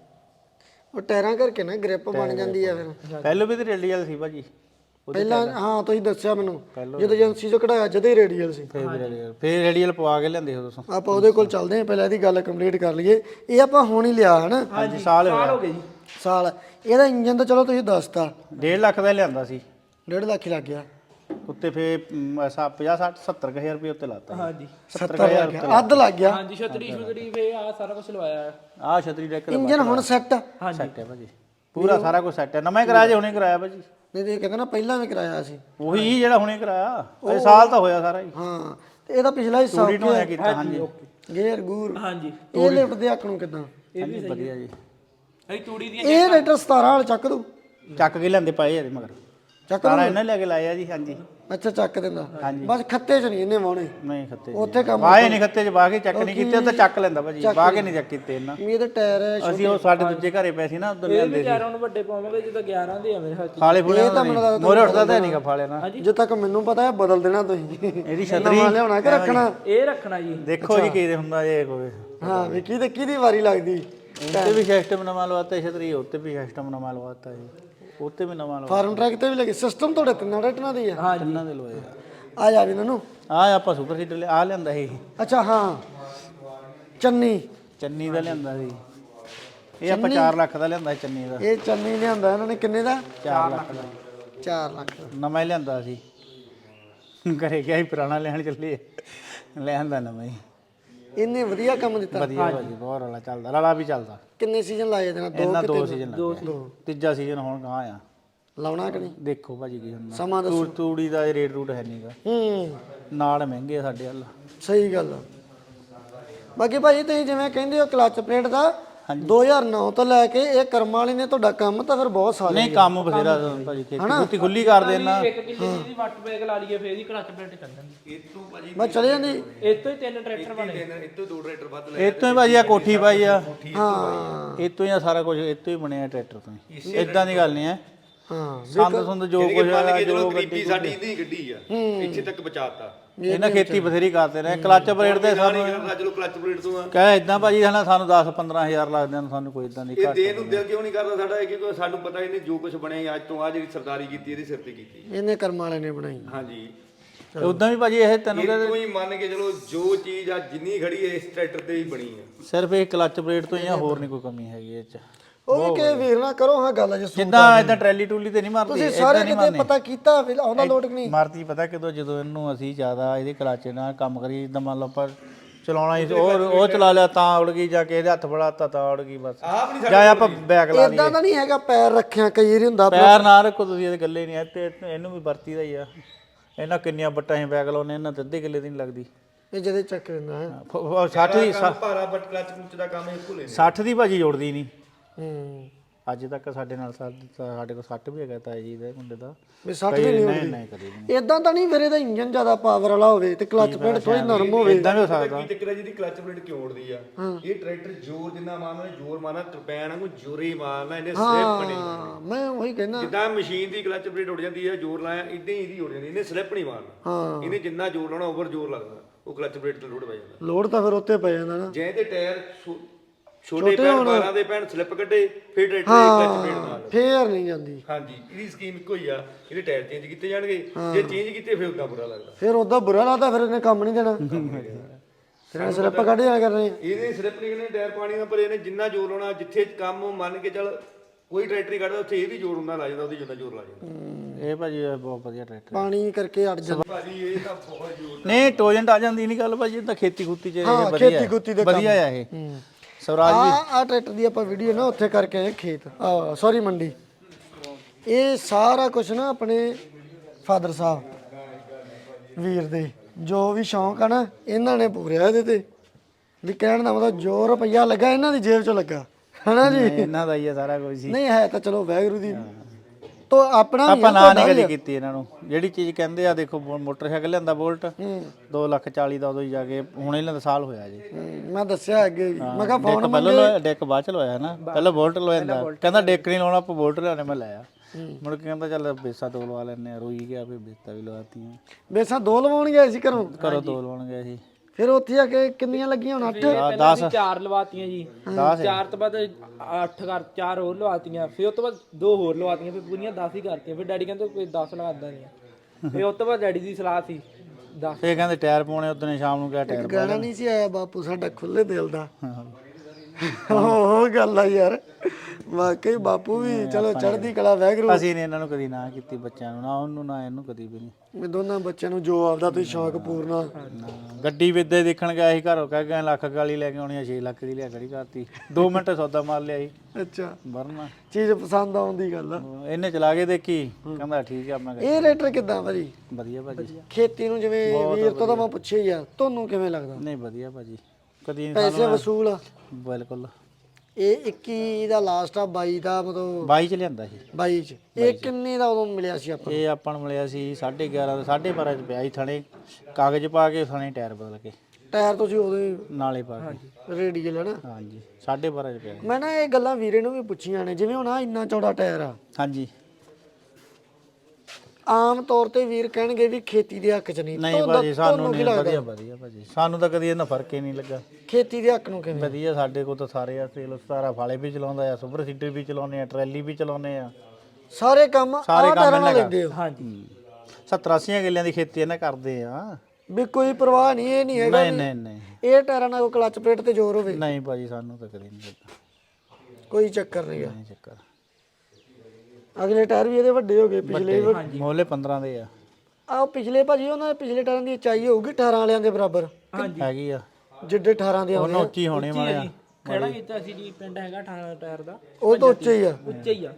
ਉਹ ਟਾਇਰਾਂ ਕਰਕੇ ਨਾ ਗ੍ਰਿਪ ਬਣ ਜਾਂਦੀ ਆ ਫਿਰ
ਪਹਿਲਾਂ ਵੀ ਤੇ ਰੇਡੀਅਲ ਸੀ ਭਾਜੀ
ਪਹਿਲਾਂ ਹਾਂ ਤੁਸੀਂ ਦੱਸਿਆ ਮੈਨੂੰ ਜਦੋਂ ਏਜੰਸੀ ਚੋਂ ਕਢਾਇਆ ਜਦੇ ਰੇਡੀਅਲ ਸੀ
ਫੇਰ ਰੇਡੀਅਲ ਫੇਰ ਰੇਡੀਅਲ ਪਵਾ ਕੇ ਲਿਆਂਦੇ ਉਦੋਂ
ਆਪਾਂ ਉਹਦੇ ਕੋਲ ਚੱਲਦੇ ਹਾਂ ਪਹਿਲਾਂ ਇਹਦੀ ਗੱਲ ਕੰਪਲੀਟ ਕਰ ਲਈਏ ਇਹ ਆਪਾਂ ਹੁਣ ਹੀ ਲਿਆ ਹਨਾ
ਹਾਂਜੀ ਸਾਲ
ਸਾਲ ਹੋ ਗਏ ਜੀ
ਸਾਲ ਇਹਦਾ ਇੰਜਨ ਤਾਂ ਚਲੋ ਤੁਸੀਂ ਦੱਸਤਾ
ਡੇਢ ਲੱਖ ਦਾ ਲਿਆਂਦਾ ਸੀ
ਡੇਢ ਲੱਖ ਹੀ ਲੱਗ ਗਿਆ
ਉੱਤੇ ਫੇਰ ਐਸਾ ਪੰਜਾਹ ਸੱਠ ਸੱਤਰ ਹਜ਼ਾਰ ਰੁਪਏ ਉੱਤੇ ਲਾਤਾ
ਹਾਂਜੀ
ਸੱਤਰ ਲੱਗ ਗਿਆ ਅੱਧ ਲੱਗ ਗਿਆ
ਹਾਂਜੀ ਛਤਰੀ ਛਤਰੀ ਫੇ ਆ ਸਾਰਾ ਕੁਝ ਲਵਾਇਆ
ਆਹ ਛਤਰੀ ਡੈਕ
ਇੰਜਨ ਹੁਣ ਸੈੱਟ
ਸੈੱਟ ਹੈ ਭਾਜੀ ਪੂਰਾ ਸਾਰਾ ਕੁਝ ਸੈੱਟ ਹੈ ਨਵਾਂ ਹੀ ਕਰਾਇਆ ਜੇ ਹੁਣੇ ਕਰਾਇਆ ਭਾਜੀ
ਨਹੀਂ ਤੇ ਇਹ ਕਹਿੰਦਾ ਨਾ ਪਹਿਲਾਂ ਵੀ ਕਰਾਇਆ ਸੀ
ਉਹੀ ਜਿਹੜਾ ਹੁਣੇ ਕਰਾਇਆ ਇਹ ਸਾਲ ਤਾਂ ਹੋਇਆ ਸਾਰਾ ਹੀ
ਹਾਂ ਤੇ ਇਹਦਾ ਪਿਛਲਾ ਹਿੱਸਾ
ਪੂਰੀ ਨੂੰ ਕੀਤਾ ਹਾਂਜੀ
ਗੇਅਰ ਗੂਰ
ਹਾਂਜੀ
ਇਹ ਲਿਫਟ ਦੇ ਅੱਖ ਨੂੰ ਕਿਦਾਂ
ਇਹ ਵੀ ਸਹੀ
ਵਧੀਆ ਜੀ
ਅਸੀਂ ਤੂੜੀ ਦੀ
ਇਹ ਰੇਟਰ ਸਤਾਰਾਂ ਵਾਲ ਚੱਕ ਦੂ
ਚੱਕ ਕੇ ਲਿਆਂਦੇ ਪਾਏ ਇਹਦੇ ਮਗਰ
ਚੱਕ
ਸਾਰਾ ਇਹਨਾਂ ਲੈ ਕੇ ਲਾਇਆ ਜੀ ਹਾਂਜੀ
ਅੱਛਾ ਚੱਕ ਦਿੰਦਾ ਬਸ ਖੱਤੇ ਚ ਨਹੀਂ ਇਹਨੇ ਵਾਉਣੇ
ਨਹੀਂ ਖੱਤੇ
ਉੱਥੇ ਕੰਮ
ਵਾਏ ਨਹੀਂ ਖੱਤੇ ਚ ਵਾਹ ਕੇ ਚੱਕ ਨਹੀਂ ਕੀਤੇ ਉਹ ਤਾਂ ਚੱਕ ਲੈਂਦਾ ਭਾਜੀ ਵਾਹ ਕੇ ਨਹੀਂ ਚੱਕ ਕੀਤੇ ਇਹਨਾਂ
ਵੀ ਇਹਦੇ ਟਾਇਰ ਹੈ
ਅਸੀਂ ਉਹ ਸਾਡੇ ਦੂਜੇ ਘਰੇ ਪਏ ਸੀ ਨਾ ਉਧਰ
ਇਹ ਵੀ ਗਿਆਰਾਂ ਨੂੰ ਵੱਡੇ ਪਾਵਾਂਗੇ ਜਦੋਂ ਗਿਆਰਾਂ ਦੇ ਆ ਮੇਰੇ ਹੱਥ
ਫਾਲੇ ਫੁਲੇ ਮੋਰੇ ਉੱਠਦਾ ਤਾਂ ਨਹੀਂਗਾ ਫਾਲੇ ਨਾਲ
ਜੇ ਤੱਕ ਮੈਨੂੰ ਪਤਾ ਹੈ ਬਦਲ ਦੇਣਾ ਤੁਸੀਂ
ਇਹਦੀ ਛਤਰੀ
ਨਵਾਂ ਲਿਆਉਣਾ ਕਿ ਰੱਖਣਾ
ਇਹ ਰੱਖਣਾ ਜੀ
ਦੇਖੋ ਜੀ ਕੀ ਹੁੰਦਾ ਇਹ ਹੋਵੇ
ਹਾਂ ਵੀ ਕਿਹਦੇ ਕਿਹਦੀ ਵਾਰੀ ਲੱਗਦੀ
ਉੱਤੇ ਵੀ ਸਿਸਟਮ ਨਵਾਂ ਲਵਾਤਾ ਛਤਰੀ ਉੱਤੇ ਵੀ ਸਿਸਟਮ ਨਵਾਂ ਲਵਾਤਾ ਜੀ ਉੱਤੇ ਵੀ ਨਵਾਂ ਲਵਾ
ਫਾਰਮ ਟਰੈਕ ਤੇ ਵੀ ਲੱਗੇ ਸਿਸਟਮ ਤੁਹਾਡੇ ਤਿੰਨਾਂ ਰੇਟਨਾਂ ਦੀ ਆ
ਤਿੰਨਾਂ ਦੇ ਲਵਾਏ
ਆ ਜਾ ਵੀ ਇਹਨਾਂ
ਆ ਆਪਾਂ ਸੁਪਰ ਸੀਡਰ ਆ ਲਿਆਂਦਾ ਸੀ
ਅੱਛਾ ਹਾਂ ਚੰਨੀ
ਚੰਨੀ ਦਾ ਲਿਆਂਦਾ ਸੀ ਇਹ ਆਪਾਂ ਚਾਰ ਲੱਖ ਦਾ ਲਿਆਂਦਾ ਸੀ ਚੰਨੀ ਦਾ
ਇਹ ਚੰਨੀ ਲਿਆਂਦਾ ਇਹਨਾਂ ਨੇ ਕਿੰਨੇ ਦਾ
ਚਾਰ ਲੱਖ ਦਾ
ਚਾਰ ਲੱਖ ਦਾ
ਨਵਾਂ ਹੀ ਲਿਆਂਦਾ ਸੀ ਘਰੇ ਗਿਆ ਸੀ ਪੁਰਾਣਾ ਲੈਣ ਚੱਲੇ ਲਿਆਂਦਾ ਨਵਾਂ ਹੀ
ਇਹਨੇ ਵਧੀਆ ਕੰਮ ਦਿੱਤਾ
ਵਧੀਆ ਭਾਜੀ ਬਹੁਤ ਰਲਾ ਚੱਲਦਾ ਰਲਾ ਵੀ ਚੱਲਦਾ
ਕਿੰਨੇ ਸੀਜ਼ਨ ਲਾਏ ਦੇਣਾ ਦੋ
ਇਹਨਾਂ ਦੋ ਸੀਜ਼ਨ ਲੱਗੇ ਤੀਜਾ ਸੀਜ਼ਨ ਹੁਣ ਗਾਂ ਆ
ਲਾਉਣਾ ਕਿ ਨਹੀਂ
ਦੇਖੋ ਭਾਜੀ ਕੀ ਹੁੰਦਾ
ਸਮਾਂ ਦੱਸੋ
ਤੂੜ ਤੂੜੀ ਦਾ ਰੇਟ ਰੂਟ ਹੈ ਨਹੀਂਗਾ
ਹੂੰ
ਨਾਲ ਮਹਿੰਗੇ ਆ ਸਾਡੇ ਵੱਲ
ਸਹੀ ਗੱਲ ਆ ਬਾਕੀ ਭਾਜੀ ਤੁਸੀਂ ਜਿਵੇਂ ਕਹਿੰਦੇ ਹੋ ਕਲਚ ਪਲੇਟ ਦਾ ਦੋ ਹਜ਼ਾਰ ਨੌ ਤੋਂ ਲੈ ਕੇ ਇਹ ਕਰਮ ਵਾਲੀ ਨੇ ਤੁਹਾਡਾ ਕੰਮ ਤਾਂ ਫਿਰ ਬਹੁਤ ਸਾਲ
ਨਹੀਂ ਕੰਮ ਬਥੇਰਾ ਭਾਜੀ ਖੇਤੀ ਖੁੱਤੀ ਖੁੱਲੀ ਕਰ ਦੇਣਾ
ਇੱਕ ਕਿੱਲੇ ਦੀ ਵੱਟ ਬੈਗ ਲਾ ਲਈਏ ਫੇਰ ਹੀ ਕਲਚ ਪਲੇਟ ਚੱਲ ਜਾਂਦੀ
ਇਹ ਤੋਂ ਭਾਜੀ
ਬਸ ਚਲੇ ਜਾਂਦੀ
ਇਹ ਤੋਂ ਹੀ ਤਿੰਨ ਟਰੈਕਟਰ ਬਣੇ
ਇਹ ਤੋਂ ਦੋ ਟਰੈਕਟਰ ਵੱਧ ਲੈ
ਇਹ ਤੋਂ ਹੀ ਭਾਜੀ ਆ ਕੋਠੀ ਪਾਈ ਆ
ਹਾਂ
ਇਹ ਤੋਂ ਹੀ ਆ ਸਾਰਾ ਕੁਝ ਇਹ ਤੋਂ ਹੀ ਬਣਿਆ ਟਰੈਕਟਰ ਤੋਂ ਹੀ ਇਦਾਂ ਦੀ ਗੱਲ ਨਹੀਂ ਹੈ
ਹਾਂ
ਸੰਦ ਸੰਦ ਜੋ ਕੁਝ
ਮੰਨ
ਆ
ਕੇ
ਜੋ
ਚਲੋ ਗਰੀਬੀ ਸਾਡੀ ਇਹਦੀ ਗੱਡੀ ਆ ਇੱਥੇ ਤੱਕ ਪਹੁੰਚਾਤਾ
ਇਹਨਾਂ ਖੇਤੀ ਬਥੇਰੀ ਕਰਦੇ ਰਹੇ ਕਲਚ ਪਲੇਟ ਤੇ ਸਾਨੂੰ
ਕਰਦਾ ਚਲੋ ਕਲਚ ਪਲੇਟ ਤੋਂ ਆ
ਕਹੇ ਇਦਾਂ ਭਾਜੀ ਹਨਾ ਸਾਨੂੰ ਦਸ ਪੰਦਰਾਂ ਹਜ਼ਾਰ ਲੱਗਦੇ ਹਨ ਸਾਨੂੰ ਕੋਈ ਇਦਾਂ ਦੀ
ਇਹ
ਘੱਟ
ਦੇਣ ਨੂੰ ਦਿਲ ਕਿਉਂ ਨਹੀਂ ਕਰਦਾ ਸਾਡਾ ਕਿਉਂਕਿ ਸਾਨੂੰ ਪਤਾ ਇਹਨੇ ਜੋ ਕੁਝ ਬਣਿਆ ਅੱਜ ਤੋਂ ਆ ਜਿਹੜੀ ਸਰਦਾਰੀ ਕੀਤੀ ਇਹਦੇ ਸਿਰ ਤੇ ਕੀਤੀ
ਇਹਨੇ ਕਰਮ ਵਾਲੇ ਨੇ ਬਣਾਈ
ਹਾਂਜੀ
ਉਦਾਂ ਵੀ ਭਾਜੀ ਇਹ ਤੈਨੂੰ
ਇਹ ਤੋਂ ਹੀ ਮੰਨ ਕੇ ਚਲੋ ਜੋ ਚੀਜ਼ ਆ ਜਿੰਨੀ ਖੜੀ ਹੈ ਇਸ ਟਰੈਕਟਰ ਤੇ ਹੀ ਬਣੀ ਆ
ਸਿਰਫ ਇਹ ਕਲਚ ਪਲੇਟ ਤੋਂ ਹੀ ਆ ਹੋਰ ਨਹੀਂ ਕੋਈ ਕਮੀ ਹੈਗੀ ਇਹ ਚ
ਉਹ ਵੀ ਕਿ ਵੀਰ ਨਾ ਕਰੋ ਹਾਂ ਗੱਲ ਜਿਸ
ਜਿੱਦਾਂ ਇਦਾਂ ਟਰੈਲੀ ਟੂਲੀ ਤੇ ਨਹੀਂ ਮਾਰਦੀ
ਤੁਸੀਂ ਸਾਰੇ ਕਿਤੇ ਪਤਾ ਕੀਤਾ ਵੀ ਆਉਂਦਾ ਲੋਟ ਕਿ ਨਹੀਂ
ਮਾਰਦੀ ਪਤਾ ਕਿਦੋਂ ਜਦੋਂ ਇਹਨੂੰ ਅਸੀਂ ਜ਼ਿਆਦਾ ਇਹਦੇ ਕਲਾਚੇ ਨਾਲ ਕੰਮ ਕਰੀ ਜਿੱਦਾਂ ਮੰਨ ਲਓ ਆਪਾਂ ਚਲਾਉਣਾ ਹੀ ਉਹ ਉਹ ਚਲਾ ਲਿਆ ਤਾਂ ਉੜ ਗਈ ਜਾ ਕੇ ਇਹਦੇ ਹੱਥ ਫੜਾਤਾ ਤਾਂ ਉੜ ਗਈ ਬਸ ਜਾਂ ਆਪਾਂ ਬੈਕ ਲਾ
ਇਦਾਂ ਤਾਂ ਨਹੀਂ ਹੈਗਾ ਪੈਰ ਰੱਖਿਆ ਕਈ ਵਾਰੀ ਹੁੰਦਾ
ਪੈਰ ਨਾ ਰੱਖੋ ਤੁਸੀਂ ਇਹਦੇ ਗੱਲੇ ਨਹੀਂ ਆ ਤੇ ਇਹਨੂੰ ਵੀ ਵਰਤੀ ਦਾ ਹੀ ਆ ਇਹਨਾਂ ਕਿੰਨੀਆਂ ਬੱਟਾਂ ਅਸੀਂ ਬੈਗ ਲਾਉਨੇ ਇਹਨਾਂ ਤੇ ਅੱਧੇ ਕਿੱਲੇ ਦੀ ਨਹੀਂ ਲੱਗਦੀ
ਇਹ ਜਦੇ ਚੱਕ ਦਿੰਦਾ ਹੈ
ਸੱਠ ਦੀ
ਭਾਰਾ ਬਟ ਕਲਚ ਕੁਚ ਦਾ ਕੰਮ ਇੱਕੋ ਲੈਂਦੇ
ਸੱਠ ਦੀ ਭਾਜੀ ਜੋੜਦੀ ਨਹੀਂ
ਹੂੰ
ਅੱਜ ਤੱਕ ਸਾਡੇ ਨਾਲ ਸਾਡੇ ਕੋਲ ਸੱਠ ਵੀ ਹੈਗਾ ਤਾਏ ਜੀ ਦੇ ਮੁੰਡੇ ਦਾ
ਵੀ ਸੱਠ ਵੀ ਨਹੀਂ
ਨਹੀਂ ਨਹੀਂ ਕਦੇ ਵੀ
ਇਦਾਂ ਤਾਂ ਨਹੀਂ ਫਿਰ ਇਹਦਾ ਇੰਜਨ ਜ਼ਿਆਦਾ ਪਾਵਰ ਵਾਲਾ ਹੋਵੇ ਤੇ ਕਲਚ ਪਲੇਟ ਥੋੜੀ ਨਰਮ ਹੋਵੇ
ਇਦਾਂ ਵੀ ਹੋ ਸਕਦਾ
ਕੀ ਚੱਕਰ ਹੈ ਜਿਹਦੀ ਕਲਚ ਪਲੇਟ ਕਿਉਂ ਉੜਦੀ ਆ ਇਹ ਟਰੈਕਟਰ ਜ਼ੋਰ ਜਿੰਨਾ ਮਾਰਨਾ ਜ਼ੋਰ ਮਾਰਨਾ ਤਰਪੈਣ ਵਾਂਗੂ ਜ਼ੋਰ ਹੀ ਮਾਰਨਾ ਇਹਨੇ ਸਲਿੱਪ ਨਹੀਂ
ਹਾਂ ਮੈਂ ਉਹੀ ਕਹਿੰਦਾ
ਜਿੱਦਾਂ ਮਸ਼ੀਨ ਦੀ ਕਲਚ ਪਲੇਟ ਉੱਡ ਜਾਂਦੀ ਹੈ ਜ਼ੋਰ ਲਾਇਆ ਇਦਾਂ ਹੀ ਇਹਦੀ ਉੱਡ ਜਾਂਦੀ ਇਹਨੇ ਸਲਿੱਪ ਨਹੀਂ ਮਾਰਨਾ
ਹਾਂ
ਇਹਨੇ ਜਿੰਨਾ ਜ਼ੋਰ ਲਾਉਣਾ ਓਵਰ ਜ਼ੋਰ ਲੱਗਦਾ ਉਹ ਕਲਚ ਪਲੇਟ ਤੇ ਲੋਡ ਪੈ ਜਾਂਦਾ
ਲੋਡ ਤਾਂ ਫਿਰ ਉੱਤੇ ਪੈ ਜਾਂਦਾ ਨਾ
ਜੇ ਇਹਦੇ ਟਾਇਰ ਛੋ- ਛੋਟੇ ਪੈਣ ਬਾਰਾਂ ਦੇ ਪੈਣ ਸਲਿੱਪ ਕੱਢੇ ਫਿਰ ਟਰੈਕਟਰ ਦੀ ਕਲਚ ਪਲੇਟ ਨਾਲ
ਫੇਰ ਨਹੀਂ ਜਾਂਦੀ
ਹਾਂਜੀ ਇਹਦੀ ਸਕੀਮ ਇੱਕੋ ਹੀ ਆ ਇਹਦੇ ਟਾਇਰ ਚੇਂਜ ਕੀਤੇ ਜਾਣਗੇ ਜੇ ਚੇਂਜ ਕੀਤੇ ਫਿਰ ਉਦਾਂ ਬੁਰਾ ਲੱਗਦਾ
ਫਿਰ ਉਦਾਂ ਬੁਰਾ ਲੱਗਦਾ ਫਿਰ ਇਹਨੇ ਕੰਮ ਨਹੀਂ ਦੇਣਾ ਫਿਰ ਇਹਨੇ ਸਿਰਫ ਕੱਢ ਜਾਇਆ ਕਰਨੇ
ਇਹਦੇ ਸਲਿੱਪ ਨਿਕਲਣੇ ਟਾਇਰ ਪਾਣੀ ਨਾਲ ਪਰ ਇਹਨੇ ਜਿੰਨਾ ਜ਼ੋਰ ਲਾਉਣਾ ਜਿੱਥੇ ਕੰਮ ਮੰਨ ਕੇ ਚੱਲ ਕੋਈ ਟਰੈਕਟਰ ਹੀ ਕੱਢਦਾ ਉੱਥੇ ਇਹ ਵੀ ਜ਼ੋਰ ਹੁੰਦਾ ਲਾ ਜਾਂਦਾ ਉਹਦੀ ਜਿੰਨਾ ਜ਼ੋਰ ਲਾ ਜਾਂਦਾ
ਇਹ ਭਾਜੀ ਬਹੁਤ ਵਧੀਆ ਟਰੈਕਟਰ
ਪਾਣੀ ਕਰਕੇ ਅੜ ਜਾਂਦਾ
ਭਾਜੀ ਇਹ ਤਾਂ ਬਹੁਤ ਜ਼ੋਰ
ਨਹੀਂ ਟੋਜੈਂਟ ਆ ਜਾਂਦੀ ਨਹੀਂ ਗੱਲ ਭਾਜੀ ਇਹ ਤਾਂ ਖੇਤੀ ਖੂਤੀ ਚ ਇਹ
ਹਾਂ,
ਵਧੀਆ
ਖੇਤੀ ਖੂਤੀ ਦੇ
ਵਧੀਆ ਆ ਇਹ ਸਵਰਾਜ ਵੀ
ਆ ਆ ਟਰੈਕਟਰ ਦੀ ਆਪਾਂ ਵੀਡੀਓ ਨਾ ਉੱਥੇ ਕਰਕੇ ਆਏ ਖੇਤ ਆ ਸੌਰੀ ਮੰਡੀ। ਇਹ ਸਾਰਾ ਕੁਝ ਨਾ ਆਪਣੇ ਫਾਦਰ ਸਾਹਿਬ ਵੀਰ ਦੇ ਜੋ ਵੀ ਸ਼ੌਂਕ ਆ ਨਾ ਇਹਨਾਂ ਨੇ ਪੂਰਿਆ ਇਹਦੇ ਤੇ ਵੀ ਕਹਿਣ ਦਾ ਮਤਲਬ ਜੋ ਰੁਪਈਆ ਲੱਗਾ ਇਹਨਾਂ ਦੀ ਜੇਬ ਚੋਂ ਲੱਗਾ ਹਨਾ ਜੀ।
ਇਹਨਾਂ ਦਾ ਹੀ ਆ ਸਾਰਾ ਕੁਝ ਸੀ।
ਨਹੀਂ ਹੈ ਤਾਂ ਚਲੋ ਵਾਹਿਗੁਰੂ ਦੀ ਤੋ ਆਪਣਾ ਵੀ
ਆਪਾਂ
ਆ,
ਨਾ
ਤੁਹਾਡਾ
ਨਹੀਂ
ਵੀ
ਕਦੀ
ਆ।
ਕੀਤੀ ਇਹਨਾਂ ਨੂੰ। ਜਿਹੜੀ ਚੀਜ਼ ਕਹਿੰਦੇ ਆ ਦੇਖੋ ਬੋ- ਮੋਟਰਸਾਈਕਲ ਲਿਆਂਦਾ ਬੋਲਟ ਦੋ ਲੱਖ ਚਾਲੀ ਦਾ ਉਦੋਂ ਹੀ ਜਾ ਕੇ ਹੁਣ ਇਹਨਾਂ ਦਾ ਸਾਲ ਹੋਇਆ ਜੀ।
ਹੂੰ, ਮੈਂ ਦੱਸਿਆ ਅੱਗੇ ਵੀ। ਮੈਂ ਕਿਹਾ
ਡੈਕ
ਫੋਨ
ਪਹਿਲਾਂ ਲਵਾਇਆ, ਡੈਕ ਬਾਅਦ ਚ ਲਵਾਇਆ ਨਾ। ਪਹਿਲਾਂ ਬੋਲਟ ਲਵਾਇਆ ਕਹਿੰਦਾ ਡੈਕ ਨਹੀਂ ਲਾਉਣਾ ਆਪਾਂ ਬੋਲਟ ਲਿਆਉਣੇ ਮੈਂ ਲਾਇਆ। ਮੁੜ ਕੇ ਕਹਿੰਦਾ ਚੱਲ ਬੇਸਾ ਦੋ ਲਵਾ ਲੈਣੇ ਆ। ਰੋਈ ਗਿਆ ਵੀ ਬੇਸਾ ਵੀ ਲਵਾਤੀਆਂ।
ਬੇਸਾਂ ਦੋ ਲਵਾਉਣ ਗਏ ਸੀ ਘਰੋਂ
ਘਰੋਂ ਦੋ ਲਵਾਉਣ ਗਿਆ ਸੀ।
ਫਿਰ ਉੱਥੇ ਆ ਕੇ ਕਿੰਨੀਆਂ ਲੱਗੀਆਂ ਹੁਣ ਅੱਠ
ਪਹਿਲਾਂ ਅਸੀਂ ਚਾਰ ਲਵਾਤੀਆਂ ਜੀ ਚਾਰ ਤੋਂ ਬਾਅਦ ਅੱਠ ਕਰ ਚਾਰ ਹੋਰ ਲਵਾਤੀਆਂ ਫਿਰ ਉਸ ਤੋਂ ਬਾਅਦ ਦੋ ਹੋਰ ਲਵਾਤੀਆਂ ਫਿਰ ਪੂਰੀਆਂ ਦਸ ਹੀ ਕਰਤੀਆਂ। ਫਿਰ ਡੈਡੀ ਕਹਿੰਦੇ ਕੋਈ ਦਸ ਲਗਾਦਾ ਨਹੀਂ। ਫਿਰ ਉਸ ਤੋਂ ਬਾਅਦ ਡੈਡੀ ਦੀ ਸਲਾਹ ਸੀ ਦਸ।
ਫੇਰ ਕਹਿੰਦੇ ਟਾਇਰ ਪਾਉਣੇ ਉਦੋਂ ਸ਼ਾਮ ਨੂੰ ਕਿਹਾ ਟਾਇਰ ਪਾ
ਗਾਣਾ ਨਹੀਂ ਸੀ ਆਇਆ ਬਾਪੂ ਸਾਡਾ ਖੁੱਲੇ ਦਿਲ ਦਾ। ਉਹ ਗੱਲ ਆ ਯਾਰ ਵਾਕਈ ਬਾਪੂ ਵੀ ਚਲੋ ਚੜ੍ਹਦੀ ਕਲਾ ਵਾਹਿਗੁਰੂ।
ਅਸੀਂ ਨੇ ਇਹਨਾਂ ਨੂੰ ਕਦੀ ਨਾ ਕੀਤੀ ਬੱਚਿਆਂ ਨੂੰ, ਨਾ ਉਹਨੂੰ ਨਾ ਇਹਨੂੰ ਕਦੀ ਵੀ ਨਹੀਂ।
ਮੈਂ ਦੋਨਾਂ ਬੱਚਿਆਂ ਨੂੰ ਜੋ ਆਪਦਾ ਤੁਸੀਂ ਸ਼ੌਕ ਪੂਰਨਾ।
ਨਾ, ਗੱਡੀ ਵਿਦੇ ਦੇਖਣ ਗਿਆ ਸੀ ਘਰੋਂ ਕਹਿ ਗਏ ਲੱਖ ਗਾਲੀ ਲੈ ਕੇ ਆਉਣੀ ਆ ਛੇ ਲੱਖ ਦੀ ਲਿਆ ਕਰੀ ਕਰਤੀ। ਦੋ ਮਿੰਟ ਸੌਦਾ ਮਾਰ ਲਿਆ ਸੀ
ਅੱਛਾ
ਵਰਨਾ
ਚੀਜ਼ ਪਸੰਦ ਆਉਣ ਦੀ ਗੱਲ ਆ।
ਇਹਨੇ ਚਲਾ ਕੇ ਦੇਖੀ ਕਹਿੰਦਾ ਠੀਕ ਆ। ਮੈਂ ਕਿਹਾ
ਇਹ ਰੇਟਰ ਕਿੱਦਾਂ ਭਾਜੀ
ਵਧੀਆ ਭਾਜੀ।
ਖੇਤੀ ਨੂੰ ਜਿਵੇਂ ਵੀਰ ਤੋਂ ਤਾਂ ਮੈਂ ਪੁੱਛਿਆ ਹੀ ਆ ਤੁਹਾਨੂੰ ਕਿਵੇਂ ਲੱਗਦਾ?
ਨਹੀਂ ਵਧੀਆ ਭਾਜੀ ਕਦੀ ਨੀ
ਪੈਸੇ ਵਸੂਲ ਆ?
ਸਾਨੂੰ ਬਿਲਕੁਲ।
ਇਹ ਇੱਕੀ ਦਾ ਲਾਸਟ ਆ ਬਾਈ ਦਾ ਮਤਲਬ
ਬਾਈ ਚ ਲਿਆਂਦਾ ਸੀ।
ਬਾਈ ਚ ਇਹ ਕਿੰਨੇ ਦਾ ਉਦੋਂ ਮਿਲਿਆ ਸੀ ਆਪਾਂ?
ਇਹ ਆਪਾਂ ਨੂੰ ਮਿਲਿਆ ਸੀ ਸਾਢੇ ਗਿਆਰਾਂ ਦਾ ਸਾਢੇ ਬਾਰਾਂ ਚ ਪਿਆ ਸੀ ਥਣੇ ਕਾਗਜ਼ ਪਾ ਕੇ ਥਣੇ ਟਾਇਰ ਬਦਲ ਕੇ
ਟਾਇਰ ਤੁਸੀਂ ਉਦੋਂ ਹੀ
ਨਾਲੇ ਪਾ ਕੇ।
ਰੇਡੀਅਲ ਹੈ ਨਾ?
ਹਾਂਜੀ ਸਾਢੇ ਬਾਰਾਂ ਚ ਪਿਆ ਸੀ।
ਮੈਂ ਨਾ ਇਹ ਗੱਲਾਂ ਵੀਰੇ ਨੂੰ ਵੀ ਪੁੱਛੀਆਂ ਨੇ ਜਿਵੇਂ ਹੁਣ ਆ ਇੰਨਾ ਚੌੜਾ ਟਾਇਰ ਆ।
ਹਾਂਜੀ
ਆਮ ਤੌਰ ਤੇ ਵੀਰ ਕਹਿਣਗੇ ਵੀ ਖੇਤੀ ਦੇ ਹੱਕ ਚ ਨਹੀਂ।
ਨਹੀਂ
ਤੁਹਾਨੂੰ-
ਭਾਜੀ ਸਾਨੂੰ
ਤੁਹਾਨੂੰ ਕੀ
ਨਹੀਂ
ਲੱਗਦਾ?
ਵਧੀਆ ਵਧੀਆ ਭਾਜੀ ਸਾਨੂੰ ਤਾਂ ਕਦੀ ਇਹਨਾਂ ਫਰਕ ਹੀ ਨਹੀਂ ਲੱਗਾ।
ਖੇਤੀ ਦੇ ਹੱਕ ਨੂੰ ਕਿਵੇਂ?
ਵਧੀਆ ਸਾਡੇ ਕੋਲ ਤਾਂ ਸਾਰੇ ਆ ਤੇਲ ਸਤਾਰਾ ਫਾਲੇ ਵੀ ਚਲਾਉਂਦਾ ਆ ਸੁਪਰ ਸੀਡਰ ਵੀ ਚਲਾਉਂਦੇ ਆ ਟਰੈਲੀ ਵੀ ਚਲਾਉਂਦੇ ਆ
ਸਾਰੇ ਕੰਮ
ਸਾਰੇ
ਆਹ
ਕੰਮ
ਟਾਇਰਾਂ ਨਾਲ
ਇਹਨਾਂ
ਲੈਂਦੇ ਹੋ?
ਹਾਂਜੀ
ਸੱਤਰ ਅੱਸੀ ਕਿੱਲਿਆਂ ਦੀ ਖੇਤੀ ਇਹਨਾਂ ਕਰਦੇ ਆ।
ਵੀ ਕੋਈ ਪਰਵਾਹ ਨਹੀਂ ਇਹ ਨਹੀਂ ਹੈਗਾ
ਨਹੀਂ
ਵੀ
ਨਹੀਂ ਨਹੀਂ
ਇਹ ਟਾਇਰਾਂ ਨਾਲ ਕੋਈ ਕਲਚ ਪਲੇਟ ਤੇ ਜ਼ੋਰ ਹੋਵੇ?
ਨਹੀਂ ਭਾਜੀ ਸਾਨੂੰ ਤਾਂ ਕਦੀ ਨਹੀਂ ਲੱਗਾ।
ਕੋਈ ਚੱਕਰ ਨਹੀਂ ਆ।
ਨਹੀਂ ਚੱਕਰ।
ਅਗਲੇ ਟਾਇਰ ਵੀ ਇਹਦੇ ਵੱਡੇ ਹੋ ਗਏ ਪਿਛਲੇ
ਮੋਲੇ ਪੰਦਰਾਂ ਦੇ ਆ।
ਆਹ ਪਿਛਲੇ ਭਾਜੀ ਉਹਨਾਂ ਦੇ ਪਿਛਲੇ ਟਾਇਰਾਂ ਦੀ ਉਚਾਈ ਹੋਊਗੀ ਅਠਾਰਾਂ ਵਾਲਿਆਂ ਦੇ ਬਰਾਬਰ
ਹੈਗੀ ਆ
ਜਿੱਡੇ ਅਠਾਰਾਂ ਦੇ ਆਉਂਦੇ
ਉਹਨਾਂ
ਆ
ਉੱਚੀ ਹੋਣੇ ਵਾਲੇ ਆ।
ਖੜਾ ਕੀਤਾ ਸੀ ਜੀ ਪਿੰਡ ਹੈਗਾ ਅਠਾਰਾਂ ਟਾਇਰ ਦਾ
ਉਹ ਤਾਂ ਉੱਚੇ ਹੀ ਆ।
ਉੱਚਾ ਹੀ ਆ।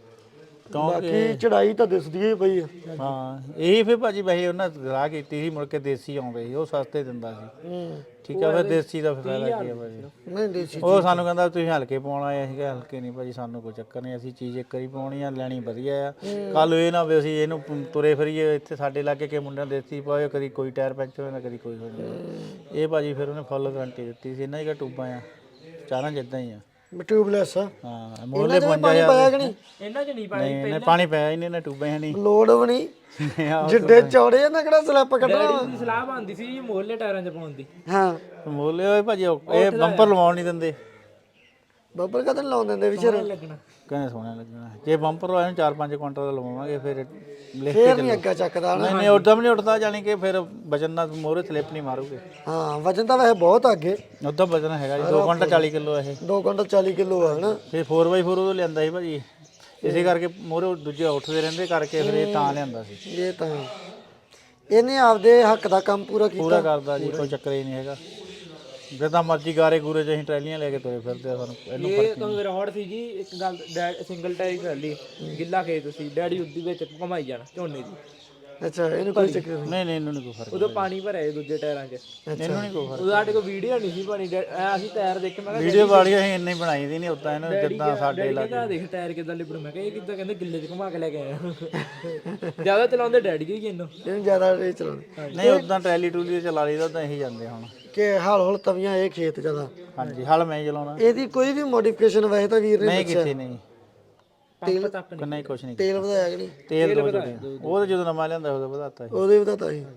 ਬਾਕੀ ਚੜਾਈ ਤਾਂ ਦਿਸਦੀ ਹੀ ਪਈ ਆ।
ਹਾਂ ਇਹ ਫਿਰ ਭਾਜੀ ਵੈਸੇ ਉਹਨਾਂ ਗਰਾਹ ਕੀਤੀ ਸੀ ਮੁੜ ਕੇ ਦੇਸੀ ਆਉਂਦੇ ਸੀ ਉਹ ਸਸਤੇ ਦਿੰਦਾ ਸੀ।
ਹੂੰ
ਠੀਕ ਆ ਫਿਰ ਦੇਸੀ ਦਾ ਫਿਰ ਫਾਇਦਾ ਕੀ ਆ ਭਾਜੀ।
ਨਹੀਂ ਦੇਸੀ
ਉਹ ਸਾਨੂੰ ਕਹਿੰਦਾ ਤੁਸੀਂ ਹਲਕੇ ਪਾਉਣਾ ਆਏ ਅਸੀਂ ਕਿਹਾ ਹਲਕੇ ਨਹੀਂ ਭਾਜੀ ਸਾਨੂੰ ਕੋਈ ਚੱਕਰ ਨਹੀਂ ਅਸੀਂ ਚੀਜ਼ ਇੱਕ ਵਾਰੀ ਪਾਉਣੀ ਆ ਲੈਣੀ ਵਧੀਆ ਆ। ਕੱਲ ਇਹ ਨਾ ਵੀ ਅਸੀਂ ਇਹਨੂੰ ਤੁਰੇ ਫਿਰੀਏ ਇੱਥੇ ਸਾਡੇ ਲਾਗੇ ਕੇ ਮੁੰਡਿਆਂ ਦੇਸੀ ਪਾਏ ਕਦੀ ਕੋਈ ਟਾਇਰ ਪੈਂਚਰ ਹੋ ਜਾਂਦਾ ਕਦੀ ਕੋਈ ਹੋ ਜਾਂਦਾ। ਇਹ ਭਾਜੀ ਫਿਰ ਉਹਨੇ ਫੁੱਲ ਗਾਰੰਟੀ ਦਿੱਤੀ ਸੀ ਇਹਨਾਂ ਦੀ ਟੂਬਾਂ ਆ ਚਾਰਾਂ ਜਿੱਦਾਂ ਹੀ ਆ।
ਟਿਊਬਲੈਸ ਆ।
ਹਾਂ ਮੋਲੇ
ਪਾਣੀ
ਪੰਜਾ
ਪਾਇਆ ਕਿ ਨਹੀਂ?
ਇਹਨਾਂ ਚ ਨਹੀਂ ਪਾਣੀ
ਨਹੀਂ ਇਹਨੇ ਪਾਣੀ ਪਾਇਆ ਹੀ ਨਹੀਂ ਇਹਨੇ ਟੂਬਾਂ ਹੈ ਨਹੀਂ।
ਲੋੜ ਵੀ ਨਹੀਂ ਜਿੱਡੇ ਚੌੜੇ ਆ ਨਾ ਕਿਹੜਾ ਸਲੈਪ ਕੱਢਣਾ।
ਡੈਡੀ ਦੀ ਸਲਾਹ ਬਣਦੀ ਸੀ ਜੀ ਮੋਹਲੇ ਟਾਇਰਾਂ ਚ ਪਾਉਣ ਦੀ।
ਹਾਂ
ਮੋਲੇ ਹੋਏ ਭਾਜੀ ਉਹ- ਇਹ ਬੰਪਰ ਲਵਾਉਣ ਨਹੀਂ ਦਿੰਦੇ।
ਬੱਬਰ ਕਦੋਂ ਲਾਉਣ ਦਿੰਦੇ ਵਿਚਾਰ?
ਲੱਗਣਾ
ਕਹਿੰਦੇ ਸੋਹਣਾ ਲੱਗਣਾ ਜੇ ਬੰਪਰ ਲਵਾਏ ਨੂੰ ਚਾਰ ਪੰਜ ਕੁਇੰਟਲ ਦਾ ਲਵਾਵਾਂਗੇ ਫਿਰ ਲਿਖ ਕੇ
ਫੇਰ ਨਹੀਂ ਅੱਗਾ ਚੱਕਦਾ ਨਾ।
ਨਹੀਂ ਨਹੀਂ ਉੱਦਾਂ ਵੀ ਨਹੀਂ ਉੱਠਦਾ ਜਾਣੀ ਕਿ ਫਿਰ ਵਜਨ ਨਾਲ ਮੋਹਰੇ ਸਲਿੱਪ ਨਹੀਂ ਮਾਰੂਗੇ।
ਹਾਂ ਵਜਨ ਤਾਂ ਵੈਸੇ ਬਹੁਤ ਆ ਅੱਗੇ
ਉੱਦਾਂ ਵਜਨ ਹੈਗਾ ਜੀ ਦੋ ਕੁਇੰਟਲ ਚਾਲੀ ਕਿਲੋ ਇਹ।
ਦੋ ਕੁਇੰਟਲ ਚਾਲੀ ਕਿਲੋ ਆ ਹਨਾ।
ਫਿਰ ਫੋਰ ਬਾਈ ਫੋਰ ਉਹ ਲਿਆਂਦਾ ਸੀ ਭਾਜੀ ਇਸੇ ਕਰਕੇ ਮੋਹਰੇ ਦੂਜੇ ਉੱਠਦੇ ਰਹਿੰਦੇ ਕਰਕੇ ਫਿਰ ਇਹ ਤਾਂ ਲਿਆਂਦਾ ਸੀ।
ਇਹ ਤਾਂ ਇਹਨੇ ਆਪਦੇ ਹੱਕ ਦਾ ਕੰਮ ਪੂਰਾ ਕੀਤਾ।
ਪੂਰਾ ਕਰਦਾ ਜੀ ਕੋਈ ਚੱਕਰ ਹੀ ਨਹੀਂ ਹੈਗਾ। ਜਿੱਦਾਂ ਮਰਜ਼ੀ ਗਾਰੇ ਗੂਰੇ ਚ ਅਸੀਂ ਟਰੈਲੀਆਂ ਲੈ ਕੇ ਤੁਰੇ ਫਿਰਦੇ ਆ ਸਾਨੂੰ ਇਹਨੂੰ
ਇਹ ਤਾਂ ਰੌਡ ਸੀ ਜੀ ਇੱਕ ਗੱਲ ਸਿੰਗਲ ਟਾਇਰ ਟਰਾਲੀ ਗਿੱਲਾ ਖੇਤ ਸੀ ਡੈਡੀ ਉੱਦੀ ਵਿੱਚ ਘੁਮਾਈ ਜਾਣਾ ਝੋਨੇ ਦੀ।
ਅੱਛਾ ਇਹਨੂੰ ਕੋਈ ਚੱਕਰ ਨਹੀਂ।
ਨਹੀਂ ਨਹੀਂ ਇਹਨੂੰ ਨਹੀਂ ਕੋਈ ਫਰਕ।
ਉਦੋਂ ਪਾਣੀ ਭਰਿਆ ਸੀ ਦੂਜੇ ਟਾਇਰਾਂ 'ਚ।
ਇਹਨੂੰ ਨਹੀਂ ਕੋਈ ਫਰਕ।
ਉਦੋਂ ਸਾਡੇ ਕੋਲ ਵੀਡੀਓ ਨਹੀਂ ਸੀ ਬਣੀ ਡੈ- ਐਂ ਅਸੀਂ ਟਾਇਰ ਦੇਖ ਕੇ ਮੈਂ ਕਿਹਾ
ਵੀਡੀਓ ਵਾਲੀ ਅਸੀਂ ਇੰਨੀ ਬਣਾਈ ਦੀ ਨਹੀਂ ਉਦਾਂ ਇਹਨੂੰ ਜਿੱਦਾਂ ਸਾਡੇ
ਡੈਡੀ ਕਹਿੰਦਾ ਦੇਖ ਟਾਇਰ ਕਿੱਦਾਂ ਲਿਬੜੂ। ਮੈਂ ਕਿਹਾ ਇਹ ਕਿੱਦਾਂ ਕਹਿੰਦੇ ਗਿੱਲੇ 'ਚ ਘੁਮਾ ਕੇ ਲੈ ਕੇ ਆਇਆ। ਜ਼ਿਆਦਾ ਚਲਾਉਂਦੇ ਡੈਡੀ ਜੀ ਇਹਨੂੰ।
ਇਹਨੂੰ ਜ਼ਿਆਦਾ ਇਹ ਚਲਾਉਂਦੇ
ਨਹੀਂ ਉਦਾਂ ਟਰੈਲੀ ਟੂਲੀ ਤੇ ਚਲਾ ਲਈਦਾ ਉਦਾਂ ਇਹੀ ਜਾਂਦੇ ਹੁਣ।
ਕਿ ਹਾਲ ਹੌਲ ਤਵੀਆਂ ਇਹ ਖੇਤ ਜ਼ਿਆਦਾ।
ਹਾਂਜੀ ਹਲ ਮੈਂ ਹੀ ਚਲਾਉਣਾ।
ਇਹਦੀ ਕੋਈ ਵੀ ਮੋਡੀਫਿਕੇਸ਼ਨ ਵੈਸੇ ਤਾਂ ਵੀਰ ਨੇ
ਨਹੀਂ ਕੀਤੀ ਨਹੀਂ
ਪੰਪ ਤੱਕ ਨਹੀਂ।
ਨਹੀਂ ਕੁਛ ਨਹੀਂ
ਤੇਲ ਵਧਾਇਆ ਕਿ ਨਹੀਂ?
ਤੇਲ ਦੋ ਜੁੜੇ ਉਹ ਤਾਂ ਜਦੋਂ ਨਵਾਂ ਲਿਆਂਦਾ ਉਦੋਂ ਵਧਾਤਾ ਸੀ
ਉਹਦੇ ਵਧਾਤਾ ਸੀ।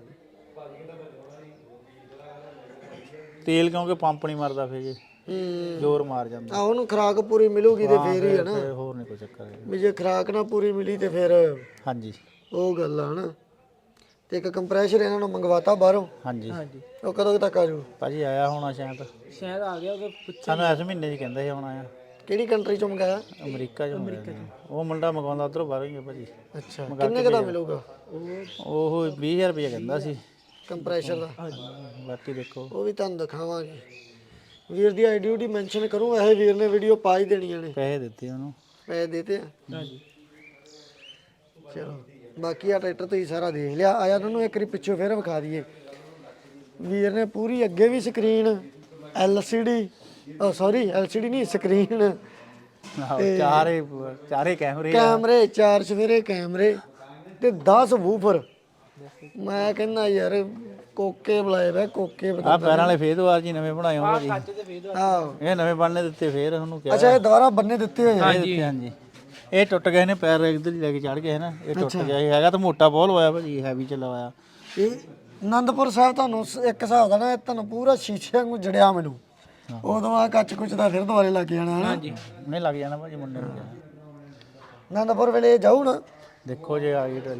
ਤੇਲ ਕਿਉਂਕਿ ਪੰਪ ਨਹੀਂ ਮਰਦਾ ਫਿਰ ਜੀ
ਹੂੰ
ਜ਼ੋਰ ਮਾਰ ਜਾਂਦਾ
ਆ ਉਹਨੂੰ ਖੁਰਾਕ ਪੂਰੀ ਮਿਲੂਗੀ ਤੇ ਫੇਰ ਹੀ ਹੈ ਨਾ।
ਫਿਰ ਹੋਰ ਨਹੀਂ ਕੋਈ ਚੱਕਰ ਹੈਗਾ।
ਵੀ ਜੇ ਖੁਰਾਕ ਨਾ ਪੂਰੀ ਮਿਲੀ ਤੇ ਫਿਰ
ਹਾਂਜੀ
ਉਹ ਗੱਲ ਆ ਹਨਾ। ਤੇ ਇੱਕ ਕੰਪਰੈਸ਼ਰ ਇਹਨਾਂ ਨੂੰ ਮੰਗਵਾਤਾ ਬਾਹਰੋਂ।
ਹਾਂਜੀ
ਹਾਂਜੀ
ਉਹ ਕਦੋਂ ਤੱਕ ਆ ਜੂ?
ਭਾਜੀ ਆਇਆ ਹੋਣਾ ਸ਼ਾਇਦ
ਸ਼ਾਇਦ ਆ ਗਿਆ ਉਹ ਪੁੱਛ
ਸਾਨੂੰ ਇਸ ਮਹੀਨੇ 'ਚ ਕਹਿੰਦੇ ਸੀ ਆਉਣਾ ਆ।
ਕਿਹੜੀ ਕੰਟਰੀ ਚੋਂ ਮੰਗਾਇਆ?
ਅਮਰੀਕਾ 'ਚ ਅਮਰੀਕਾ ਉਹ ਮੁੰਡਾ ਮੰਗਵਾਉਂਦਾ ਉਧਰੋਂ ਬਾਹਰੋਂ ਹੀ ਆ ਭਾਜੀ।
ਅੱਛਾ ਕਿੰਨੇ ਕੁ ਦਾ ਮਿਲੂਗਾ
ਉਹ ਵੀਹ ਹਜ਼ਾਰ ਰੁਪਏ ਕਹਿੰਦਾ ਸੀ
ਕੰਪਰੈਸ਼ਰ ਦਾ?
ਬਾਕੀ ਦੇਖੋ
ਉਹ ਵੀ ਤੁਹਾਨੂੰ ਦਿਖਾਵਾਂਗੇ। ਵੀਰ ਦੀ ਆਈਡੀ ਉਡੀ ਮੈਂਸ਼ਨ ਕਰੂੰ, ਇਹ ਵੀਰ ਨੇ ਵੀਡੀਓ ਪਾ ਹੀ ਦੇਣੀਆਂ ਨੇ।
ਪੈਸੇ ਦਿੱਤੇ ਉਹਨੂੰ।
ਪੈਸੇ ਦੇਤੇ ਆ?
ਹਾਂਜੀ
ਚਲੋ ਬਾਕੀ ਆ ਟਰੈਕਟਰ ਤੁਸੀਂ ਸਾਰਾ ਦੇਖ ਲਿਆ। ਆਇਆ ਤੁਹਾਨੂੰ ਇੱਕ ਵਾਰੀ ਪਿੱਛੋਂ ਫਿਰ ਵਿਖਾ ਦਈਏ। ਵੀਰ ਨੇ ਪੂਰੀ ਅੱਗੇ ਵੀ screen L C D, oh sorry L C D ਨਹੀਂ, ਸਕਰੀਨ,
ਆਹੋ, ਚਾਰੇ ਚਾਰੇ ਕੈਮਰੇ ਆ।
ਕੈਮਰੇ, ਚਾਰ ਸਵੇਰੇ ਕੈਮਰੇ ਤੇ ਦਸ ਵੂਫਰ। ਮੈਂ ਕਹਿੰਦਾ ਯਾਰ ਕੋਕੇ ਬੁਲਾਏ ਵੇ ਕੋਕੇ।
ਆ ਪੈਰਾਂ ਵਾਲੇ ਫੇਦਵਾਰ ਜੀ ਨਵੇਂ ਬਣਾਏ ਹੋਣ ਭਾਜੀ।
ਕੱਚ ਤੇ ਫੇਰ
ਆਹੋ
ਇਹ ਨਵੇਂ ਬਣਨੇ ਦਿੱਤੇ ਫੇਰ ਉਹਨੂੰ ਕਿਹਾ।
ਅੱਛਾ ਇਹ ਦੁਬਾਰਾ ਬੰਨੇ ਦਿੱਤੇ ਹੋਏ ਆ।
ਹਾਂਜੀ ਹਾਂਜੀ। ਇਹ ਟੁੱਟ ਗਏ ਨੇ ਪੈਰ ਇੱਧਰ ਹੀ ਲੈ ਕੇ ਚੜ ਗਏ ਨਾ, ਇਹ ਟੁੱਟ ਗਿਆ। ਇਹ ਹੈਗਾ ਤਾਂ ਮੋਟਾ ਬਹੁਤ ਹੋਇਆ ਭਾਜੀ, ਹੈਵੀ ਚ ਲਵਾਇਆ।
ਇਹ ਆਨੰਦਪੁਰ ਸਾਹਿਬ ਤੁਹਾਨੂੰ ਸ- ਇੱਕ ਹਿਸਾਬ ਦਾ ਨਾ ਤੁਹਾਨੂੰ ਪੂਰਾ ਸ਼ੀਸ਼ੇ ਵਾਂਗੂ ਜੜਿਆ ਮੈਨੂੰ। ਉਦੋਂ ਆ ਕੱਚ ਕੁਚ ਦਾ ਫਿਰ ਦੁਬਾਰੇ ਲੱਗ ਜਾਣਾ ਹਨਾ।
ਨਹੀਂ ਲੱਗ ਜਾਣਾ ਭਾਜੀ ਮੁੰਡੇ ਨੂੰ ਕਿਹਾ।
ਆਨੰਦਪੁਰ ਵੇਲੇ ਜਾਊ ਨਾ।
ਦੇਖੋ ਜੇ ਆ ਗਈ ਟਰਾਲੀ।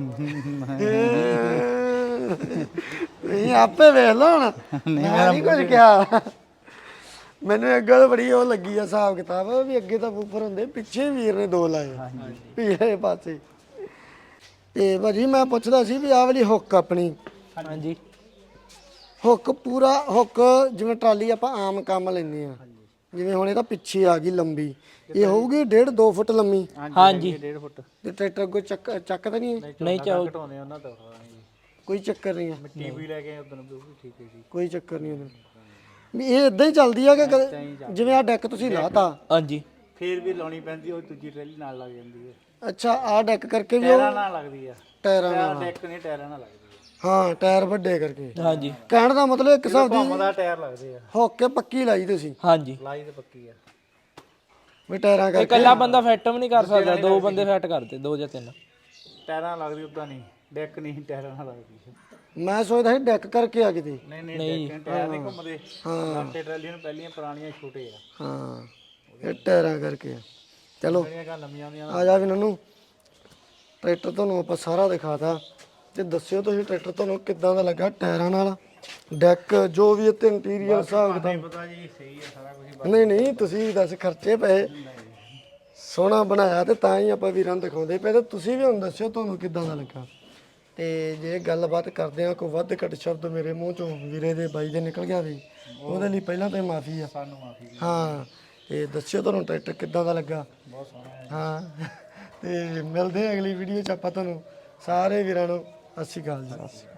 ਨਹੀਂ ਆਪੇ ਵੇਖ ਲਓ ਹੁਣ, ਮੈਂ ਨਹੀਂ ਕੁਝ ਕਿਹਾ। ਮੈਨੂੰ ਇੱਕ ਗੱਲ ਬੜੀ ਉਹ ਲੱਗੀ ਆ ਹਿਸਾਬ ਕਿਤਾਬ ਵੀ ਅੱਗੇ ਤਾਂ ਬੂਫਰ ਹੁੰਦੇ, ਪਿੱਛੇ ਵੀਰ ਨੇ ਦੋ ਲਾਏ ਪਿਛਲੇ ਪਾਸੇ। ਤੇ ਭਾਜੀ ਮੈਂ ਪੁੱਛਦਾ ਸੀ ਵੀ ਆਹ ਵਾਲੀ ਹੁੱਕ ਆਪਣੀ,
ਹਾਂਜੀ
ਹੁੱਕ ਪੂਰਾ ਹੁੱਕ ਜਿਵੇਂ ਟਰਾਲੀ ਆਪਾਂ ਆਮ ਕੰਮ ਲੈਂਦੇ ਆ, ਜਿਵੇਂ ਹੁਣ ਇਹ ਤਾਂ ਪਿੱਛੇ ਆ ਗਈ ਲੰਬੀ, ਇਹ ਹੋਊਗੀ ਡੇਢ ਦੋ ਫੁੱਟ ਲੰਮੀ
ਹਾਂਜੀ
ਡੇਢ ਫੁੱਟ।
ਤੇ ਟਰੈਕਟਰ ਅੱਗੋਂ ਚੱਕ ਚੱਕ ਤਾਂ ਨਹੀਂ?
ਨਹੀਂ ਚਾਹੋ
ਘਟਾਉਂਦੇ ਉਹਨਾਂ ਤੋਂ।
ਕੋਈ ਚੱਕਰ ਨਹੀਂ ਆ,
ਟੀਵੀ ਲੈ ਕੇ ਉਦੋਂ ਵੀ ਠੀਕ ਹੈ ਜੀ।
ਕੋਈ ਚੱਕਰ ਨਹੀਂ ਉਹਦਾ। ਵੀ ਇਹ ਇਦਾਂ ਹੀ ਚੱਲਦੀ ਆ ਕਿ ਕਦੇ- ਜਿਵੇਂ ਆ ਡੈਕ ਤੁਸੀਂ ਲਾਤਾ,
ਹਾਂਜੀ
ਫੇਰ ਵੀ ਲਾਉਣੀ ਪੈਂਦੀ, ਉਹ ਦੂਜੀ ਟਰਾਲੀ ਨਾਲ ਲੱਗ ਜਾਂਦੀ ਹੈ।
ਅੱਛਾ ਆ ਡੈਕ ਕਰਕੇ ਵੀ ਉਹ
ਟਾਇਰਾਂ ਨਾਲ ਲੱਗਦੀ ਆ।
ਟਾਇਰਾਂ
ਟਾਇਰ
ਨਾਲ?
ਡੈਕ ਨਹੀਂ, ਟਾਇਰਾਂ ਨਾਲ ਲੱਗਦੀ ਹੈ।
ਹਾਂ ਟਾਇਰ ਵੱਡੇ ਕਰਕੇ।
ਹਾਂਜੀ
ਕਹਿਣ ਦਾ ਮਤਲਬ ਇੱਕ ਹਿਸਾਬ ਦੀ
ਘੁੰਮਦਾ ਟਾਇਰ ਲੱਗਦੇ ਆ।
ਹੁੱਕ ਕੇ ਪੱਕੀ ਲਾਈ ਤੁਸੀਂ
ਹਾਂਜੀ
ਲਾਈ ਤੇ ਪੱਕੀ ਆ।
ਵੀ ਟਾਇਰਾਂ
ਇਹ
ਕਰਕੇ।
ਇਕੱਲਾ ਬੰਦਾ ਫਿੱਟ ਵੀ ਨਹੀਂ ਕਰ ਸਕਦਾ, ਦੋ ਬੰਦੇ ਫਿੱਟ ਕਰਦੇ, ਦੋ ਜਾਂ ਤਿੰਨ।
ਟਾਇਰਾਂ ਨਾਲ ਲੱਗਦੀ ਉਦਾਂ ਨਹੀਂ, ਡੈਕ ਨਹੀਂ ਟਾਇਰਾਂ ਨਾਲ ਲੱਗਦੀ ਹੈ।
ਮੈਂ ਸੋਚਦਾ ਸੀ ਡੈਕ ਕਰਕੇ ਆ ਕਿਤੇ।
ਨਹੀਂ ਨਹੀਂ ਡੈਕ ਟਾਇਰ ਨਹੀਂ ਘੁੰਮਦੇ।
ਹਾਂ
ਲਾਟੇ ਟਰਾਲੀ ਨੂੰ ਪਹਿਲੀਆਂ ਪੁਰਾਣੀਆਂ ਛੋਟੇ ਆ,
ਹਾਂ ਇਹ ਟਾਇਰਾਂ ਕਰਕੇ ਆ। ਚਲੋ
ਜਿਹੜੀਆਂ ਗੱਲ ਲੰਮੀਆਂ ਹੁੰਦੀਆਂ।
ਆ ਜਾ ਵੀ ਨਨੂੰ, ਟਰੈਕਟਰ ਤੁਹਾਨੂੰ ਆਪਾਂ ਸਾਰਾ ਦਿਖਾਤਾ ਤੇ ਦੱਸਿਓ ਤੁਸੀਂ ਟਰੈਕਟਰ ਤੁਹਾਨੂੰ ਕਿੱਦਾਂ ਦਾ ਲੱਗਾ, ਟਾਇਰਾਂ ਨਾਲ, ਡੈਕ, ਜੋ ਵੀ ਇੱਥੇ ਇੰਟੀਰੀਅਰ ਹਿਸਾਬ ਕਿਤਾਬ।
ਪਤਾ ਜੀ ਸਹੀ ਆ ਸਾਰਾ ਕੁਝ।
ਨਹੀਂ ਨਹੀਂ ਤੁਸੀਂ ਦੱਸ ਖਰਚੇ ਪਏ, ਸੋਹਣਾ ਬਣਾਇਆ ਤੇ ਤਾਂ ਹੀ ਆਪਾਂ ਵੀਰਾਂ ਨੂੰ ਦਿਖਾਉਂਦੇ ਪਏ, ਤੇ ਤੁਸੀਂ ਵੀ ਹੁਣ ਦੱਸਿਓ ਤੁਹਾਨੂੰ ਕਿੱਦਾਂ ਦਾ ਲੱਗਾ। ਤੇ ਜੇ ਗੱਲਬਾਤ ਕਰਦੇ ਆ ਕੋਈ ਵੱਧ ਘੱਟ ਸ਼ਬਦ ਮੇਰੇ ਮੂੰਹ ਚੋਂ ਵੀਰੇ ਦੇ ਬਾਈ ਦੇ ਨਿਕਲ ਗਿਆ ਵੀ, ਉਹਦੇ ਲਈ ਪਹਿਲਾਂ ਤਾਂ ਮਾਫੀ ਆ।
ਸਾਨੂੰ ਮਾਫੀ।
ਹਾਂ ਤੇ ਦੱਸਿਓ ਤੁਹਾਨੂੰ ਟਰੈਕਟਰ ਕਿੱਦਾਂ ਦਾ ਲੱਗਾ।
ਬਹੁਤ ਸੋਹਣਾ।
ਹਾਂ ਤੇ ਮਿਲਦੇ ਆ ਅਗਲੀ ਵੀਡੀਓ 'ਚ ਆਪਾਂ ਤੁਹਾਨੂੰ ਸਾਰੇ ਵੀਰਾਂ ਨੂੰ ਸਤਿ ਸ਼੍ਰੀ ਅਕਾਲ ਜੀ।